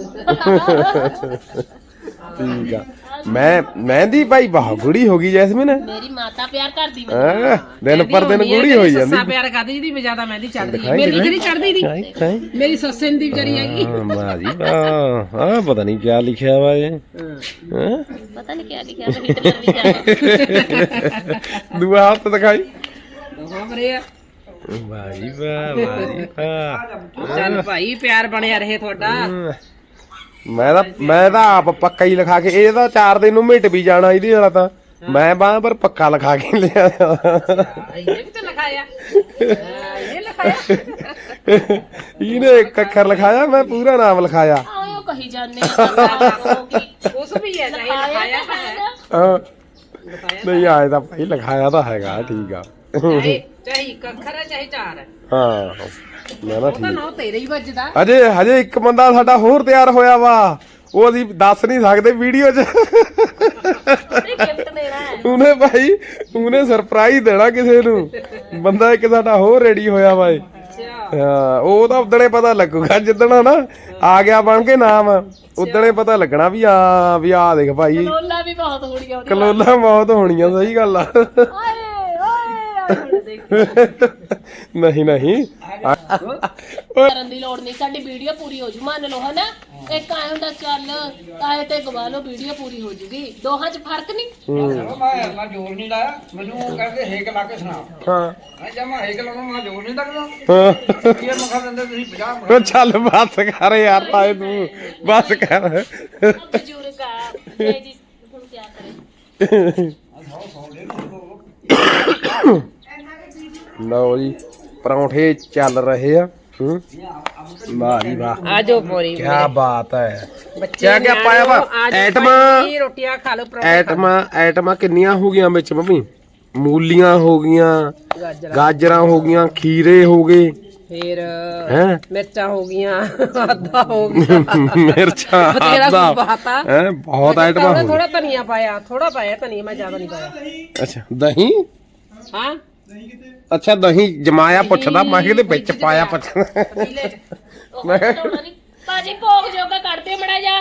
Speaker 2: ਠੀਕ ਆ ਮੈਂ ਮਹਿੰਦੀ ਭਾਈ ਬਹੁਤ ਗੂੜੀ ਹੋ ਗਈ ਜੈਸਮੀਨ
Speaker 1: ਮੇਰੀ ਮਾਤਾ ਪਿਆਰ ਕਰਦੀ ਮੈਨੂੰ
Speaker 2: ਹੈਂ ਦਿਨ ਪਰ ਦਿਨ ਗੂੜੀ ਹੋਈ ਜਾਂਦੀ
Speaker 3: ਸੱਸਾ ਪਿਆਰ ਕਰਦੀ ਜਿਹਦੀ ਜ਼ਿਆਦਾ ਮਹਿੰਦੀ ਚੜਦੀ ਮੇਰੀ ਜਿਹੜੀ ਚੜਦੀ ਨਹੀਂ ਮੇਰੀ ਸੱਸੇ ਦੀ ਵਿਚਾਰੀ ਹੈਗੀ
Speaker 2: ਹਾਂ ਵਾਹ ਜੀ ਵਾਹ ਆਹ ਪਤਾ ਨਹੀਂ ਕੀ ਲਿਖਿਆ ਵਾ ਇਹ ਹੈਂ
Speaker 1: ਪਤਾ ਨਹੀਂ ਕਿਆ ਲਿਖਿਆ ਮੈਂ ਹਿਟਲਰ ਵੀ ਜਾਣਾ
Speaker 2: ਦੂਆ ਹੱਥ ਦਿਖਾਈ
Speaker 3: ਹਾਂ ਬਰੇ ਆ
Speaker 2: ਵਾਹ ਜੀ ਵਾਹ ਵਾਹ ਜੀ ਵਾਹ
Speaker 3: ਚੱਲ ਭਾਈ ਪਿਆਰ ਬਣਿਆ ਰਹੇ ਤੁਹਾਡਾ
Speaker 2: ਮੈਂ ਤਾਂ ਮੈਂ ਤਾਂ ਆਪ ਪੱਕਾ ਹੀ ਲਿਖਾ ਕੇ ਇਹ ਤਾਂ ਚਾਰ ਦਿਨ ਨੂੰ ਮਿਟ ਵੀ ਜਾਣਾ ਇਹਦੇ ਵਾਲਾ ਤਾਂ ਮੈਂ ਬਾਹ ਪਰ ਪੱਕਾ ਲਿਖਾ ਕੇ ਲਿਆ
Speaker 3: ਇਹਨੇ ਵੀ ਤਾਂ ਲਿਖਾਇਆ ਇਹ ਲਿਖਾਇਆ
Speaker 2: ਇਹਨੇ ਇੱਕ ਅੱਖਰ ਲਿਖਾਇਆ ਮੈਂ ਪੂਰਾ ਨਾਮ ਲਿਖਾਇਆ
Speaker 1: ਆਇਓ ਕਹੀ ਜਾਂਦੇ ਆ
Speaker 3: ਉਸ ਵੀ ਹੈ ਚਾਹੇ ਲਿਖਾਇਆ ਤਾਂ ਹੈ
Speaker 2: ਹਾਂ ਨਹੀਂ ਆਏ ਤਾਂ ਭਾਈ ਲਿਖਾਇਆ ਤਾਂ ਹੈਗਾ ਠੀਕ ਆ
Speaker 3: ਚਾਹੇ ਚਾਹੇ ਇੱਕ ਅੱਖਰ ਹੈ ਚਾਹੇ ਚਾਰ ਹੈ
Speaker 2: ਹਾਂ ਮੈਂ ਨਾ
Speaker 3: ਉਹ ਤਾਂ
Speaker 2: ਠੀਕ
Speaker 3: ਨੌ ਤੇਰੇ ਹੀ ਵੱਜਦਾ
Speaker 2: ਹਜੇ ਹਜੇ ਇੱਕ ਬੰਦਾ ਸਾਡਾ ਹੋਰ ਤਿਆਰ ਹੋਇਆ ਵਾ ਉਹ ਅਸੀਂ ਦੱਸ ਨਹੀਂ ਸਕਦੇ ਵੀਡੀਓ 'ਚ
Speaker 1: ਗਿਫਟ ਦੇਣਾ ਹੈ
Speaker 2: ਉਹਨੇ ਭਾਈ ਉਹਨੇ ਸਰਪ੍ਰਾਈਜ਼ ਦੇਣਾ ਕਿਸੇ ਨੂੰ ਬੰਦਾ ਇੱਕ ਸਾਡਾ ਹੋਰ ਰੈਡੀ ਹੋਇਆ ਵਾ ਏ ਹਾਂ ਉਹ ਤਾਂ ਉਦਣੇ ਪਤਾ ਲੱਗੂਗਾ ਜਿੱਦਣ ਨਾ ਆ ਗਿਆ ਬਣ ਕੇ ਨਾਮ ਉਦਣੇ ਪਤਾ ਲੱਗਣਾ ਵੀ ਆ ਵੀ ਆ ਦੇਖ ਭਾਈ
Speaker 1: ਲੋਲਾ ਵੀ ਬਹੁਤ ਹੋਣੀਆਂ ਉਹਦੀ
Speaker 2: ਕਲੋਲਾ ਮੌਤ ਹੋਣੀਆਂ ਸਹੀ ਗੱਲ ਆ
Speaker 1: ਓਏ ਓਏ ਹੁਣ ਦੇਖ
Speaker 2: ਨਹੀਂ ਨਹੀਂ
Speaker 1: ਕਰਨ ਦੀ ਲੋੜ ਨਹੀਂ ਸਾਡੀ ਵੀਡੀਓ ਪੂਰੀ ਹੋ ਜੂ ਮੰਨ ਲਓ ਹਨਾ ਇੱਕ ਆਏ ਹੁੰਦਾ ਚੱਲ ਆਏ ਤੇ ਗਵਾ ਲਓ ਵੀਡੀਓ ਪੂਰੀ ਹੋ ਜੂਗੀ ਦੋਹਾਂ 'ਚ ਫਰਕ ਨਹੀਂ
Speaker 6: ਮੈਂ ਮੈਂ ਜੋਰ ਨਹੀਂ ਲਾਇਆ ਮੈਨੂੰ ਉਹ ਕਹਿੰਦੇ ਹੇਕ ਲਾ ਕੇ ਸੁਣਾ
Speaker 2: ਹਾਂ
Speaker 6: ਮੈਂ ਜਦ ਮੈਂ ਹੇਕ ਲਾਉਣਾ ਮੈਂ ਜੋਰ ਨਹੀਂ ਲੱਗਦਾ
Speaker 2: ਹਾਂ
Speaker 6: ਕੀ ਮਖਾ ਦਿੰਦੇ ਤੁਸੀਂ ਪੰਜਾਹ
Speaker 2: ਉਹ ਚੱਲ ਬਸ ਕਰ ਯਾਰ ਤਾਏ ਤੂੰ ਬਸ ਕਰ
Speaker 1: ਬਜ਼ੁਰਗ ਆ ਇਹ ਜੀ ਹੁਣ ਕੀ ਕਰੇ
Speaker 2: ਲਓ ਜੀ ਪਰੌਂਠੇ ਚੱਲ ਰਹੇ ਆ ਹੂੰ ਵਾਹ ਜੀ ਵਾਹ
Speaker 3: ਆਜੋ ਪੋਰੀ
Speaker 2: ਕੀ ਬਾਤ ਹੈ
Speaker 3: ਬੱਚੇ
Speaker 2: ਕਿਆ ਕਿਆ ਪਾਇਆ ਵਾ ਐਟਮਾਂ
Speaker 3: ਰੋਟੀਆਂ ਖਾ ਲਓ
Speaker 2: ਐਟਮਾਂ ਐਟਮਾਂ ਕਿੰਨੀਆਂ ਹੋ ਗਈਆਂ ਵਿੱਚ ਮੰਮੀ ਮੂਲੀਆਂ ਹੋ ਗਈਆਂ ਗਾਜਰਾਂ ਹੋ ਗਈਆਂ ਖੀਰੇ ਹੋ ਗਏ
Speaker 3: ਫੇਰ
Speaker 2: ਹੈ
Speaker 3: ਮਿਰਚਾਂ ਹੋ ਗਈਆਂ ਆਦਾ ਹੋ ਗਿਆ
Speaker 2: ਮਿਰਚਾਂ
Speaker 3: ਬਥੇਰਾ
Speaker 2: ਆਦਾ
Speaker 3: ਕੁਝ ਪਾਤਾ
Speaker 2: ਹੈ ਬਹੁਤ ਆਈਟਮਾਂ ਹੋ ਗਈਆਂ
Speaker 3: ਥੋੜਾ ਧਨੀਆ ਪਾਇਆ ਥੋੜਾ ਪਾਇਆ ਧਨੀਆ ਮੈਂ ਜ਼ਿਆਦਾ ਨਹੀਂ ਪਾਇਆ
Speaker 2: ਅੱਛਾ ਦਹੀਂ
Speaker 3: ਹਾਂ
Speaker 2: ਅੱਛਾ ਦਹੀਂ ਜਮਾਇਆ ਪੁੱਛਦਾ ਮੈਂ ਕਿਹਦੇ ਵਿੱਚ ਪਾਇਆ ਪੁੱਛਦਾ
Speaker 3: ਪਤੀਲੇ 'ਚ
Speaker 2: ਮੈਂ
Speaker 1: ਭਾਜੀ ਭੋਗ ਜੋਗਾ ਕੱਢਦੇ ਮੜਾ ਜਾ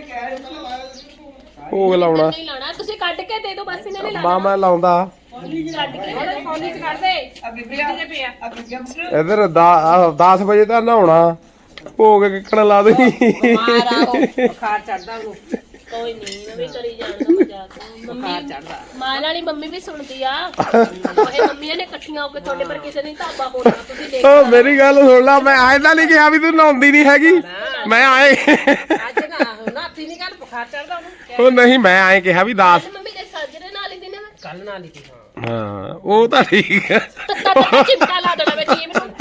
Speaker 2: ਭੋਗ ਲਾਉਣਾ
Speaker 1: ਨਹੀਂ ਲਾਣਾ ਤੁਸੀਂ ਕੱਢ ਕੇ ਦੇ ਦਿਓ ਬਸ ਇਹਨਾਂ ਨੇ
Speaker 2: ਮਾਂ ਮੈਂ ਲਾਉਂਦਾ
Speaker 1: ਕੱਢ ਕੇ
Speaker 3: ਥੋੜਾ ਕੌਲੀ 'ਚ ਕੱਢ ਦੇ ਆ ਬੀਬੀਆਂ ਦੇ ਪਿਆ
Speaker 2: ਇਧਰ ਦਸ ਵਜੇ ਤਾਂ ਨਹਾਉਣਾ ਭੋਗ ਕਿੱਕਣ ਲਾ ਦੇ
Speaker 3: ਬਿਮਾਰ ਆ ਉਹ ਬੁਖਾਰ ਚੜਦਾ ਉਹਨੂੰ
Speaker 1: ਕੋਈ ਨਹੀਂ ਮੈਂ ਵੀ ਕਰੀ ਜਾਣਦਾ ਮਜ਼ਾਕ
Speaker 3: ਬੁਖਾਰ
Speaker 1: ਮੰਮੀ
Speaker 3: ਚੜਦਾ
Speaker 1: ਮਾਂ ਵਾਲੀ ਮੰਮੀ ਵੀ ਸੁਣਦੀ ਆ ਉਹ ਮੰਮੀਆਂ ਨੇ ਇਕੱਠੀਆਂ ਹੋ ਕੇ ਤੁਹਾਡੇ ਪਰ ਕਿਸੇ ਨੇ ਢਾਬਾ ਹੋਣਾ ਤੁਸੀਂ ਦੇਖ
Speaker 2: ਓ ਮੇਰੀ ਗੱਲ ਸੁਣ ਲਾ ਮੈਂ ਆਏ ਤਾਂ ਨਹੀਂ ਕਿਹਾ ਵੀ ਤੂੰ ਨਹਾਉਂਦੀ ਨਹੀਂ ਹੈਗੀ ਮੈਂ ਆਏ
Speaker 3: ਅੱਜ ਨਾ ਨਾਤੀ ਨਹੀਂ ਗੱਲ ਬੁਖਾਰ ਚੜਦਾ ਉਹਨੂੰ
Speaker 2: ਉਹ ਨਹੀਂ ਮੈਂ ਆਏ ਕਿਹਾ ਵੀ ਦੱਸ
Speaker 1: ਮੰਮੀ ਦੇ ਸਾਜਰੇ ਨਾਲ ਹੀ ਦਿਨੇ ਮੈਂ
Speaker 3: ਕੱਲ ਨਾਲ ਹੀ ਹਾਂ
Speaker 2: ਹਾਂ ਉਹ ਤਾਂ ਠੀਕ ਹੈ
Speaker 1: ਤਾਂ ਚਿੰਤਾ ਲਾ ਦੇਣਾ ਮੈਂ ਜੀਮ ਨੂੰ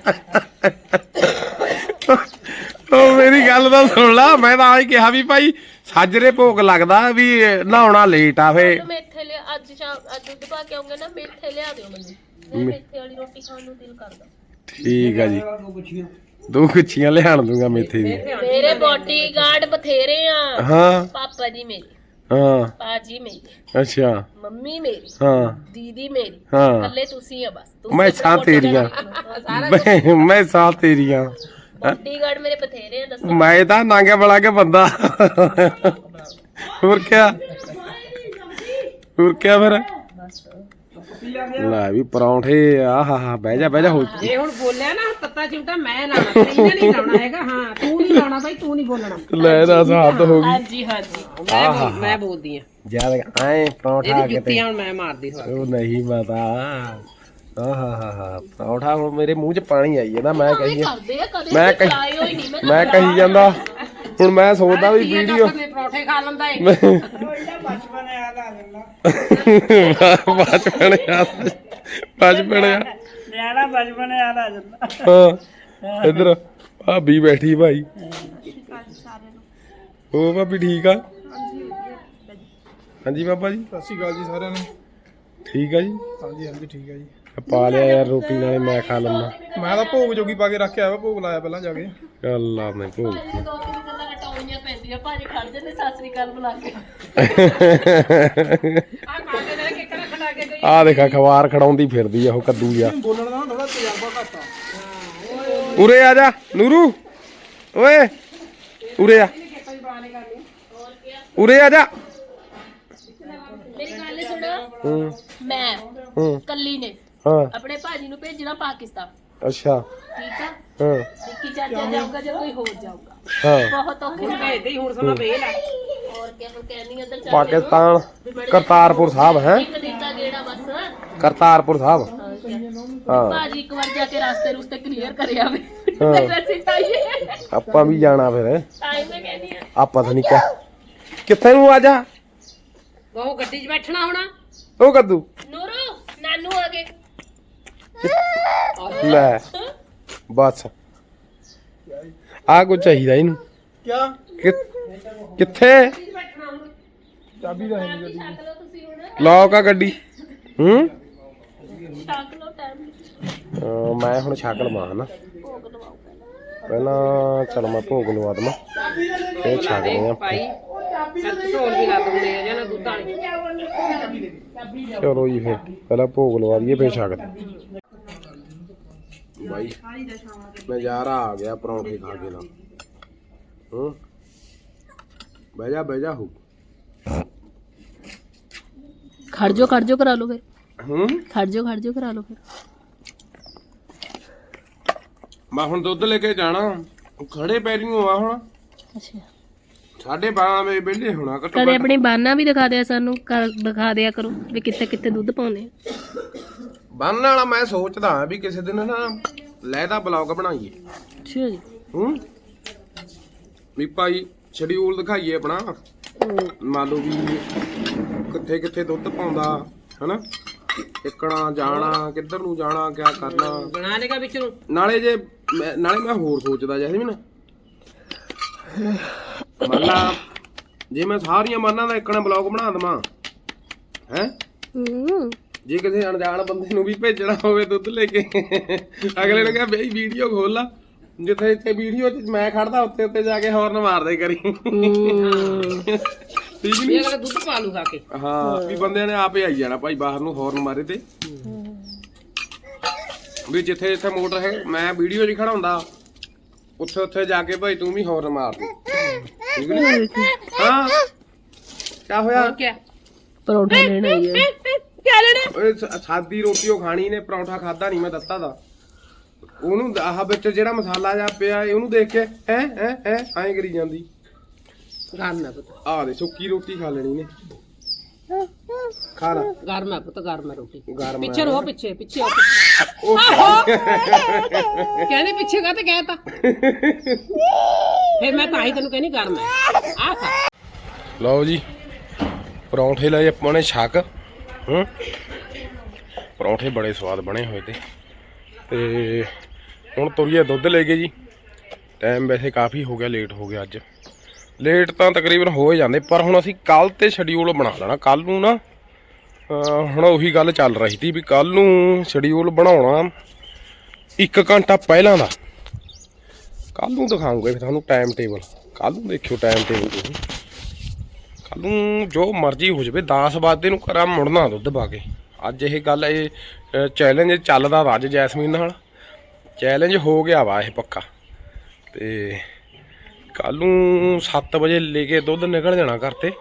Speaker 2: ਉਹ ਮੇਰੀ ਗੱਲ ਤਾਂ ਸੁਣ ਲਾ ਮੈਂ ਤਾਂ ਆਏ ਕਿਹਾ ਵੀ ਭਾਈ ਸਾਜਰੇ ਭੋਗ ਲੱਗਦਾ ਵੀ ਨਹਾਉਣਾ ਲੇਟ ਆ ਫੇ
Speaker 1: ਮੈਂ ਇੱਥੇ ਲਿਆ ਅੱਜ ਸ਼ਾਮ ਅੱਜ ਦੁੱਧ ਪਾ ਕੇ ਆਉਂਗੇ ਨਾ ਮੇਥੇ ਲਿਆ ਦਿਓ ਮੈਨੂੰ ਮੈਂ ਮੇਥੇ ਵਾਲੀ ਰੋਟੀ ਖਾਣ ਨੂੰ ਦਿਲ ਕਰਦਾ
Speaker 2: ਠੀਕ ਆ ਜੀ ਦੋ ਗੁੱਛੀਆਂ ਲਿਆਣ ਦੂੰਗਾ ਮੇਥੇ ਦੀ
Speaker 1: ਮੇਰੇ ਬਾਡੀਗਾਰਡ ਬਥੇਰੇ ਆ
Speaker 2: ਹਾਂ
Speaker 1: ਪਾਪਾ ਜੀ ਮੇਰੇ
Speaker 2: ਹਾਂ
Speaker 1: ਪਾਜੀ ਮੇਰੀ
Speaker 2: ਅੱਛਾ
Speaker 1: ਮੰਮੀ ਮੇਰੀ
Speaker 2: ਹਾਂ
Speaker 1: ਦੀਦੀ ਮੇਰੀ
Speaker 2: ਹਾਂ
Speaker 1: ਇਕੱਲੇ ਤੁਸੀਂ ਆ ਬਸ ਤੁਸੀਂ
Speaker 2: ਮੈਂ ਸਾਂ ਤੇਰੀਆਂ ਮੈਂ ਮੈਂ ਸਾਂ ਤੇਰੀਆਂ
Speaker 1: ਬਾਡੀਗਾਰਡ ਮੇਰੇ ਬਥੇਰੇ ਆ ਦੱਸੋ
Speaker 2: ਮੈਂ ਤਾਂ ਨਾਂਗੇ ਬੜਾ ਕੇ ਬੰਦਾ ਹੋਰ ਕਿਆ ਹੋਰ ਕਿਆ ਫਿਰ ਲੈ ਵੀ ਪਰੌਂਠੇ ਆਹਾ ਹਾ ਬਹਿ ਜਾ ਬਹਿ ਜਾ ਹੋ
Speaker 3: ਜੇ ਹੁਣ ਬੋਲਿਆ ਨਾ ਤੱਤਾ ਚਿਮਟਾ ਮੈਂ ਲਾਉਣਾ ਇਹਨੇ ਨਹੀਂ ਲਾਉਣਾ ਹੈਗਾ ਹਾਂ ਤੂੰ ਨਹੀਂ ਲਾਉਣਾ ਬਾਈ ਤੂੰ ਨਹੀਂ ਬੋਲਣਾ
Speaker 2: ਲੈ ਦੱਸ ਹੱਦ ਹੋ ਗਈ
Speaker 1: ਹਾਂਜੀ ਹਾਂਜੀ
Speaker 3: ਮੈਂ ਬੋਲ- ਮੈਂ ਬੋਲਦੀ ਆ
Speaker 2: ਜਦ ਐ ਪਰੌਂਠਾ
Speaker 3: ਇਹਦੀ
Speaker 2: ਕਿਤੇ
Speaker 3: ਜੁੱਤੀਆਂ ਹੁਣ ਮੈਂ ਮਾਰਦੀ ਹਾਂ
Speaker 2: ਉਹ ਨਹੀਂ ਪਤਾ ਆਹਾ ਹਾ ਹਾ ਪਰੌਂਠਾ ਹੁਣ ਮੇਰੇ ਮੂੰਹ 'ਚ ਪਾਣੀ ਆਈ ਜਾਂਦਾ ਮੈਂ ਕਹੀ
Speaker 1: ਕਰਦੇ ਆ ਕਦੇ
Speaker 2: ਮੈਂ
Speaker 1: ਮੈਂ
Speaker 2: ਕਹੀ-
Speaker 1: ਹੋਈ ਨਹੀਂ ਮੈਂ
Speaker 2: ਮੈਂ ਕਹੀ ਜਾਂਦਾ ਹੁਣ ਮੈਂ ਸੋਚਦਾ ਵੀ ਵੀਡੀਓ
Speaker 3: ਨੇ ਪਰੌਠੇ ਖਾ ਲੈਂਦਾ ਏ
Speaker 2: ਬਚਪਨ ਆ ਬਚਪਨ ਆ
Speaker 5: ਨਿਆਣਾ ਬਚਪਨ ਯਾਦ ਆ ਜਾਂਦਾ
Speaker 2: ਹਾਂ ਇੱਧਰ ਭਾਬੀ ਬੈਠੀ ਭਾਈ ਉਹ ਭਾਬੀ ਠੀਕ ਆ ਹਾਂਜੀ ਬਾਬਾ ਜੀ
Speaker 4: ਸਤਿ ਸ਼੍ਰੀ ਅਕਾਲ ਜੀ ਸਾਰਿਆਂ ਨੂੰ
Speaker 2: ਠੀਕ ਆ ਜੀ
Speaker 4: ਹਾਂਜੀ ਹਾਂਜੀ ਠੀਕ ਹੈ ਜੀ
Speaker 2: ਪਾ ਲਿਆ ਯਾਰ ਰੋਟੀ ਨਾਲੇ ਮੈਂ ਖਾ ਲੰਨਾ
Speaker 4: ਮੈਂ ਤਾਂ ਭੋਗ ਜੋਗੀ ਪਾ ਕੇ ਰੱਖਿਆ ਵਾ ਭੋਗ ਲਾਇਆ ਪਹਿਲਾਂ ਜਾ ਕੇ
Speaker 2: ਅੱਲਾ ਮੈਂ ਭੋਗ
Speaker 1: ਦੋ ਤਿੰਨ ਗੱਲਾਂ ਲਟਾਉਣੀਆਂ ਪੈਂਦੀਆਂ ਭਾਜੀ ਖੜ ਜਾਂਦੇ ਸਤਿ ਸ੍ਰੀ ਅਕਾਲ ਬੁਲਾ ਕੇ
Speaker 3: ਆ ਕਾਕੇ ਨੇ ਕਿੱਕਣਾ ਖੜਾ ਕੇ ਗਈ
Speaker 2: ਆ ਦੇਖਾ ਖਵਾਰ ਖੜਾਉਂਦੀ ਫਿਰਦੀ ਆ ਉਹ ਕੱਦੂ ਜਿਹਾ
Speaker 4: ਬੋਲਣ ਦਾ ਥੋੜਾ ਤਜਰਬਾ ਘੱਟ ਆ
Speaker 2: ਉਰੇ ਆ ਜਾ ਨੂਰੂ ਓਏ ਉਰੇ ਆ ਉਰੇ ਆ ਜਾ
Speaker 1: ਮੇਰੀ ਗੱਲ ਸੁਣੋ
Speaker 2: ਹੂੰ
Speaker 1: ਮੈਂ
Speaker 2: ਹੂੰ
Speaker 1: ਕੱਲੀ ਨੇ
Speaker 2: ਹਾਂ
Speaker 1: ਆਪਣੇ ਭਾਜੀ ਨੂੰ ਭੇਜਣਾ ਪਾਕਿਸਤਾਨ
Speaker 2: ਅੱਛਾ
Speaker 1: ਠੀਕ ਆ
Speaker 2: ਹਾਂ
Speaker 1: ਵਿੱਕੀ ਚਾਚਾ ਜਾਊਗਾ ਜਾਂ ਕੋਈ ਹੋਰ ਜਾਊਗਾ
Speaker 2: ਹਾਂ
Speaker 1: ਬਹੁਤ ਔਖੇ
Speaker 3: ਹੁਣ ਭੇਜਦੇ ਹੀ ਹੁਣ ਸਮਾਂ ਵੇਲ ਆ
Speaker 1: ਹੋਰ ਕਿਆ ਹੁਣ ਕਹਿੰਦੀ ਅੰਦਰ ਚੱਲ
Speaker 2: ਪਾਕਿਸਤਾਨ ਕਰਤਾਰਪੁਰ ਸਾਹਿਬ ਹੈ
Speaker 1: ਇੱਕ ਦਿਨ ਦਾ ਗੇੜਾ ਬਸ
Speaker 2: ਕਰਤਾਰਪੁਰ ਸਾਹਿਬ
Speaker 1: ਹੋਰ ਕਿਆ।
Speaker 2: ਹਾਂ
Speaker 1: ਭਾਜੀ ਇੱਕ ਵਾਰ ਜਾ ਕੇ ਰਾਸਤੇ ਰੁਸਤੇ ਕਲੀਅਰ ਕਰ ਆਵੇ
Speaker 2: ਹਾਂ।
Speaker 1: ਤੇ ਵੈਸੇ ਤਾਈਏ
Speaker 2: ਆਪਾਂ ਵੀ ਜਾਣਾ ਫਿਰ
Speaker 1: ਟਾਈਮ ਮੈਂ ਕਹਿੰਦੀ ਆ
Speaker 2: ਆਪਾਂ ਤਾਂ ਨਹੀਂ ਕਹਿ ਕਿੱਥੇ ਨੂੰ ਆ ਜਾ
Speaker 3: ਉਹ ਗੱਡੀ 'ਚ ਬੈਠਣਾ ਹੋਣਾ
Speaker 2: ਉਹ ਕੱਦੂ
Speaker 1: ਨੂਰੂ ਨਾਨੂ ਆ ਗਏ
Speaker 2: ਲੈ ਬਸ ਆ ਕੁਝ ਚਾਹੀਦਾ ਇਹਨੂੰ
Speaker 4: ਕਿਆ
Speaker 2: ਕਿ- ਕਿੱਥੇ
Speaker 4: ਚਾਬੀ ਦਾ ਹੈ ਨਹੀਂ
Speaker 1: ਛੱਕ ਲਓ ਤੁਸੀਂ ਹੁਣ
Speaker 2: ਲੌਕ ਆ ਗੱਡੀ ਹੂੰ
Speaker 1: ਛੱਕ ਲਓ ਟਾਈਮ
Speaker 2: ਅਹ ਮੈਂ ਹੁਣ ਛੱਕ ਲਵਾਂ ਹਨਾ
Speaker 1: ਭੋਗ ਲਵਾਓ
Speaker 2: ਪਹਿਲਾਂ ਚਲ ਮੈਂ ਭੋਗ ਲਵਾ ਦਵਾਂ ਫੇਰ ਛੱਕਦੇ ਆ
Speaker 3: ਭਾਈ ਢੋਲ ਵੀ ਲਾ ਦਿੰਦੇ ਆ ਜਾਂ ਨਾ ਦੁੱਧ ਵਾਲੀ
Speaker 2: ਚਲੋ ਜੀ ਫੇਰ ਪਹਿਲਾਂ ਭੋਗ ਲਵਾ ਦਈਏ ਫੇਰ ਛੱਕਦੇ ਬਾਈ ਨਜ਼ਾਰਾ ਆ ਗਿਆ ਪਰੌਂਠੇ ਖਾ ਕੇ ਨਾ ਹੂੰ ਬਹਿ ਜਾ ਬਹਿ ਜਾ ਹੋ
Speaker 1: ਖੜ ਜਾਓ ਖੜ ਜਾਓ ਕਰਾ ਲਓ ਫਿਰ
Speaker 2: ਹੂੰ
Speaker 1: ਖੜ ਜਾਓ ਖੜ ਜਾਓ ਕਰਾ ਲਓ ਫਿਰ
Speaker 2: ਮੈਂ ਹੁਣ ਦੁੱਧ ਲੈ ਕੇ ਜਾਣਾ ਖੜੇ ਪੈਰੀਂ ਆ ਹੁਣ
Speaker 1: ਅੱਛਾ
Speaker 2: ਸਾਢੇ ਬਾਰਾਂ ਵਜੇ ਵਿਹਲੇ ਹੋਣਾ ਘੱਟੋ
Speaker 1: ਕਦੇ
Speaker 2: ਘੱਟ
Speaker 1: ਆਪਣੀ ਬਾਨਾ ਵੀ ਦਿਖਾ ਦਿਆ ਸਾਨੂੰ ਕਰ ਦਿਖਾ ਦਿਆ ਕਰੋ ਵੀ ਕਿੱਥੇ ਕਿੱਥੇ ਦੁੱਧ ਪਾਉਂਦੇ ਆ
Speaker 2: ਬੰਨ ਵਾਲਾ ਮੈਂ ਸੋਚਦਾ ਹਾਂ ਵੀ ਕਿਸੇ ਦਿਨ ਨਾ ਲੈਦਾ ਬਲੌਗ ਬਣਾਈਏ
Speaker 1: ਅੱਛਾ ਜੀ
Speaker 2: ਹੂੰ ਵੀ ਭਾਈ ਸ਼ਡਿਊਲ ਦਿਖਾਈਏ ਆਪਣਾ ਮੰਨ ਲਓ ਵੀ ਕਿੱਥੇ ਕਿੱਥੇ ਦੁੱਧ ਪਾਉਂਦਾ ਹਨਾ ਟਿਕਣਾ ਜਾਣਾ ਕਿੱਧਰ ਨੂੰ ਜਾਣਾ ਕਿਆ ਕਰਨਾ
Speaker 3: ਬਣਾ ਲੇਗਾ ਵਿੱਚ ਨੂੰ
Speaker 2: ਨਾਲੇ ਜੇ ਮੈਂ- ਨਾਲੇ ਮੈਂ ਹੋਰ ਸੋਚਦਾ ਜੈਸਮੀਨ ਮੰਨ ਲਾ ਜੇ ਮੈਂ ਸਾਰੀਆਂ ਮਾਨਾਂ ਦਾ ਇੱਕਣਾ ਬਲੌਗ ਬਣਾ ਦਵਾਂ ਹੈ
Speaker 1: ਹੂੰ
Speaker 2: ਜੇ ਕਿਸੇ ਅਣਜਾਣ ਬੰਦੇ ਨੂੰ ਵੀ ਭੇਜਣਾ ਹੋਵੇ ਦੁੱਧ ਲੈ ਕੇ ਅਗਲੇ ਨੇ ਕਿਹਾ ਬਈ ਵੀਡੀਓ ਖੋਲ ਲਾ ਜਿੱਥੇ ਜਿੱਥੇ ਵੀਡੀਓ 'ਚ ਮੈਂ ਖੜਦਾ ਉੱਤੇ ਉੱਤੇ ਜਾ ਕੇ ਹੌਰਨ ਮਾਰਦੇ ਕਰੀ ਠੀਕ
Speaker 3: ਇਹ
Speaker 2: ਨਹੀਂ
Speaker 3: ਅਗਲਾ ਦੁੱਧ ਪਾ ਲੂ ਖਾ ਕੇ
Speaker 2: ਹਾਂ ਵੀ ਬੰਦਿਆਂ ਨੇ ਆਪੇ ਆਈ ਜਾਣਾ ਭਾਈ ਬਾਹਰ ਨੂੰ ਹੌਰਨ ਮਾਰੇ ਤੇ ਵੀ ਜਿੱਥੇ ਜਿੱਥੇ ਮੋਟਰ ਹੈ ਮੈਂ ਵੀਡੀਓ 'ਚ ਖੜਾਉਂਦਾ ਉੱਥੇ ਉੱਥੇ ਜਾ ਕੇ ਭਾਈ ਤੂੰ ਵੀ ਹੌਰਨ ਮਾਰ ਦੇ ਠੀਕ ਨੀ ਹਾਂ ਕਿਆ ਹੋਇਆ
Speaker 3: ਹੋਰ ਕਿਆ
Speaker 1: ਪਰੌਂਠਾ ਲੈਣਾ ਹੀ ਆ
Speaker 3: ਕਿਆ ਲੈਣਾ
Speaker 2: ਓਏ ਸ- ਸਾਦੀ ਰੋਟੀ ਉਹ ਖਾਣੀ ਨੇ ਪਰੌਂਠਾ ਖਾਦਾ ਨਹੀਂ ਮੈਂ ਦਿੱਤਾ ਦਾ ਉਹਨੂੰ ਆਹ ਵਿੱਚ ਜਿਹੜਾ ਮਸਾਲਾ ਜਾ ਪਿਆ ਉਹਨੂੰ ਦੇਖ ਕੇ ਹੈ ਹੈ ਹੈ ਐਂ ਕਰੀ ਜਾਂਦੀ।
Speaker 3: ਗਰਮ ਹੈ ਪੁੱਤ,
Speaker 2: ਆਹ ਦੇ ਸੁੱਕੀ ਰੋਟੀ ਖਾ ਲੈਣੀ ਨੇ। ਖਾ ਲਾ।
Speaker 3: ਗਰਮ ਹੈ ਪੁੱਤ, ਗਰਮ ਹੈ ਰੋਟੀ।
Speaker 2: ਗਰਮ
Speaker 3: ਪਿੱਛੇ ਰੋ, ਪਿੱਛੇ ਪਿੱਛੇ ਹੋ।
Speaker 2: ਉਹ
Speaker 3: ਕਹਿੰਦੇ ਪਿੱਛੇ ਕਾ ਤੇ ਕਹਿਤਾ ਫਿਰ ਮੈਂ ਤਾਂ ਹੀ ਤੈਨੂੰ ਕਹਿੰਦੀ ਗਰਮ ਹੈ। ਆ ਖਾ।
Speaker 2: ਲਓ ਜੀ ਪਰੌਂਠੇ ਲਏ ਆਪਾਂ ਨੇ ਛਕ। ਹੂੰ ਪਰੌਂਠੇ ਬੜੇ ਸਵਾਦ ਬਣੇ ਹੋਏ ਤੇ ਤੇ ਹੁਣ ਤੁਰੀਏ ਦੁੱਧ ਲੈ ਕੇ ਜੀ। ਟਾਈਮ ਵੈਸੇ ਕਾਫੀ ਹੋ ਗਿਆ, ਲੇਟ ਹੋ ਗਿਆ ਅੱਜ। ਲੇਟ ਤਾਂ ਤਕਰੀਬਨ ਹੋ ਹੀ ਜਾਂਦੇ, ਪਰ ਹੁਣ ਅਸੀਂ ਕੱਲ ਤੇ ਸ਼ਡਿਊਲ ਬਣਾ ਲੈਣਾ। ਕੱਲ ਨੂੰ ਨਾ ਹੁਣ ਉਹੀ ਗੱਲ ਚੱਲ ਰਹੀ ਸੀ ਵੀ ਕੱਲ ਨੂੰ ਸ਼ਡਿਊਲ ਬਣਾਉਣਾ ਇੱਕ ਘੰਟਾ ਪਹਿਲਾਂ ਦਾ। ਕੱਲ ਨੂੰ ਦਿਖਾਉਂਗੇ ਫਿਰ ਤੁਹਾਨੂੰ ਟਾਈਮ ਟੇਬਲ। ਕੱਲ ਨੂੰ ਦੇਖਿਓ ਟਾਈਮ ਟੇਬਲ ਤੁਸੀਂ। ਕੱਲ ਨੂੰ ਜੋ ਮਰਜ਼ੀ ਹੋ ਜਾਵੇ ਦਸ ਵਜੇ ਨੂੰ ਘਰਾਂ ਮੁੜਨਾ ਦੁੱਧ ਪਾ ਕੇ। ਅੱਜ ਇਹ ਗੱਲ ਇਹ ਚੈਲੰਜ ਚੱਲਦਾ ਵਾ ਅੱਜ ਜੈਸਮੀਨ ਨਾਲ। ਚੈਲੰਜ ਹੋ ਗਿਆ ਵਾ ਇਹ ਪੱਕਾ। ਤੇ ਕੱਲ ਨੂੰ ਸੱਤ ਵਜੇ ਲੈ ਕੇ ਦੁੱਧ ਨਿਕਲ ਜਾਣਾ ਘਰ ਤੇ।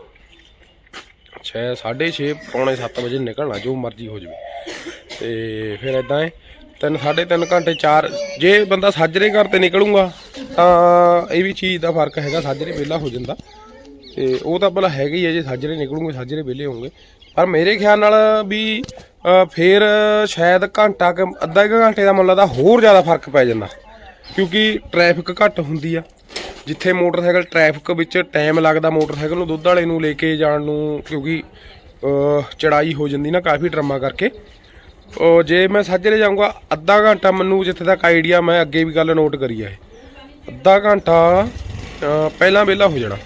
Speaker 2: ਛੇ ਸਾਢੇ ਛੇ ਪੌਣੇ ਸੱਤ ਵਜੇ ਨਿਕਲਣਾ, ਜੋ ਮਰਜ਼ੀ ਹੋ ਜਾਵੇ। ਤੇ ਫਿਰ ਇੱਦਾਂ ਹੈ ਤਿੰਨ ਸਾਢੇ ਤਿੰਨ ਘੰਟੇ ਚਾਰ। ਜੇ ਬੰਦਾ ਸਾਜਰੇ ਘਰ ਤੇ ਨਿਕਲੂਗਾ ਤਾਂ ਇਹ ਵੀ ਚੀਜ਼ ਦਾ ਫਰਕ ਹੈਗਾ, ਸਾਜਰੇ ਵਿਹਲਾ ਹੋ ਜਾਂਦਾ। ਤੇ ਉਹ ਤਾਂ ਭਲਾ ਹੈਗਾ ਹੀ ਹੈ, ਜੇ ਸਾਜਰੇ ਨਿਕਲੂਗੇ ਸਾਜਰੇ ਵਿਹਲੇ ਹੋਣਗੇ। ਪਰ ਮੇਰੇ ਖਿਆਲ ਨਾਲ ਵੀ ਫਿਰ ਸ਼ਾਇਦ ਘੰਟਾ ਕੁ ਅੱਧਾ ਕੁ ਘੰਟੇ ਦਾ ਮੁੱਲ ਦਾ ਹੋਰ ਜ਼ਿਆਦਾ ਫਰਕ ਪੈ ਜਾਂਦਾ, ਕਿਉਂਕਿ ਟ੍ਰੈਫਿਕ ਘੱਟ ਹੁੰਦੀ ਆ। ਜਿੱਥੇ ਮੋਟਰਸਾਈਕਲ ਟ੍ਰੈਫਿਕ ਵਿੱਚ ਟਾਈਮ ਲੱਗਦਾ ਮੋਟਰਸਾਈਕਲ ਨੂੰ ਦੁੱਧ ਵਾਲੇ ਨੂੰ ਲੈ ਕੇ ਜਾਣ ਨੂੰ, ਕਿਉਂਕਿ ਚੜਾਈ ਹੋ ਜਾਂਦੀ ਨਾ ਕਾਫੀ ਡਰਮਾਂ ਕਰਕੇ। ਜੇ ਮੈਂ ਸਾਜਰੇ ਜਾਊਂਗਾ ਅੱਧਾ ਘੰਟਾ, ਮੈਨੂੰ ਜਿੱਥੇ ਤੱਕ ਆਈਡੀਆ, ਮੈਂ ਅੱਗੇ ਵੀ ਗੱਲ ਨੋਟ ਕਰੀ ਹੈ, ਅੱਧਾ ਘੰਟਾ ਪਹਿਲਾਂ ਵਿਹਲਾ ਹੋ ਜਾਣਾ।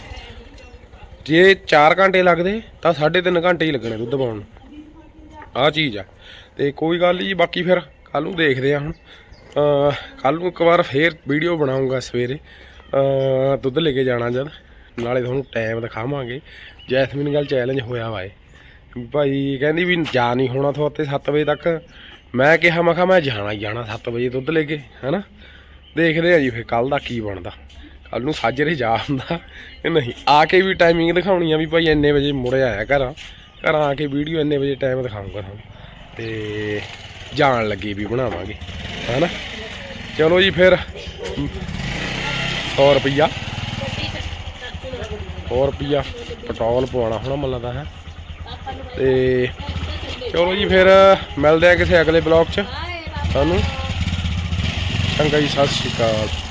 Speaker 2: ਜੇ ਚਾਰ ਘੰਟੇ ਲੱਗਦੇ ਤਾਂ ਸਾਢੇ ਤਿੰਨ ਘੰਟੇ ਹੀ ਲੱਗਣੇ ਦੁੱਧ ਪਾਉਣ ਨੂੰ। ਆਹ ਚੀਜ਼ ਆ। ਤੇ ਕੋਈ ਗੱਲ ਨਹੀਂ ਜੀ, ਬਾਕੀ ਫਿਰ ਕੱਲ ਨੂੰ ਦੇਖਦੇ ਆ। ਹੁਣ ਕੱਲ ਨੂੰ ਇੱਕ ਵਾਰ ਫੇਰ ਵੀਡੀਓ ਬਣਾਉਂਗਾ ਸਵੇਰੇ ਦੁੱਧ ਲੈ ਕੇ ਜਾਣਾ ਜਦ, ਨਾਲੇ ਤੁਹਾਨੂੰ ਟਾਈਮ ਦਿਖਾਵਾਂਗੇ। ਜੈਸਮੀਨ ਗੱਲ ਚੈਲੰਜ ਹੋਇਆ ਵਾ ਇਹ ਭਾਈ, ਕਹਿੰਦੀ ਵੀ ਜਾ ਨਹੀਂ ਹੋਣਾ ਤੁਹਾਤੇ ਸੱਤ ਵਜੇ ਤੱਕ। ਮੈਂ ਕਿਹਾ ਮੈਂ ਕਿਹਾ ਮੈਂ ਜਾਣਾ ਹੀ ਜਾਣਾ ਸੱਤ ਵਜੇ ਦੁੱਧ ਲੈ ਕੇ, ਹੈ ਨਾ। ਦੇਖਦੇ ਆ ਜੀ ਫਿਰ ਕੱਲ ਦਾ ਕੀ ਬਣਦਾ। ਕੱਲ ਨੂੰ ਸਾਜਰੇ ਜਾ ਹੁੰਦਾ ਕਿ ਨਹੀਂ। ਆ ਕੇ ਵੀ ਟਾਈਮਿੰਗ ਦਿਖਾਉਣੀ ਆ ਵੀ ਭਾਈ ਇੰਨੇ ਵਜੇ ਮੁੜਿਆ ਆਇਆ ਘਰਾਂ ਘਰਾਂ ਆ ਕੇ ਵੀਡੀਓ ਇੰਨੇ ਵਜੇ ਟਾਈਮ ਦਿਖਾਊਂਗਾ ਤੁਹਾਨੂੰ। ਤੇ ਜਾਣ ਲੱਗੇ ਵੀ ਬਣਾਵਾਂਗੇ, ਹੈ ਨਾ। ਚਲੋ ਜੀ ਫਿਰ ਸੌ ਰੁਪਈਆ ਸੌ ਰੁਪਈਆ ਪੈਟਰੋਲ ਪਵਾਉਣਾ ਹੋਣਾ ਮੈਨੂੰ ਲੱਗਦਾ ਹੈ। ਤੇ ਚਲੋ ਜੀ ਫਿਰ ਮਿਲਦੇ ਆ ਕਿਸੇ ਅਗਲੇ ਬਲੌਗ 'ਚ। ਤੁਹਾਨੂੰ ਚੰਗਾ ਜੀ, ਸਤਿ ਸ਼੍ਰੀ ਅਕਾਲ।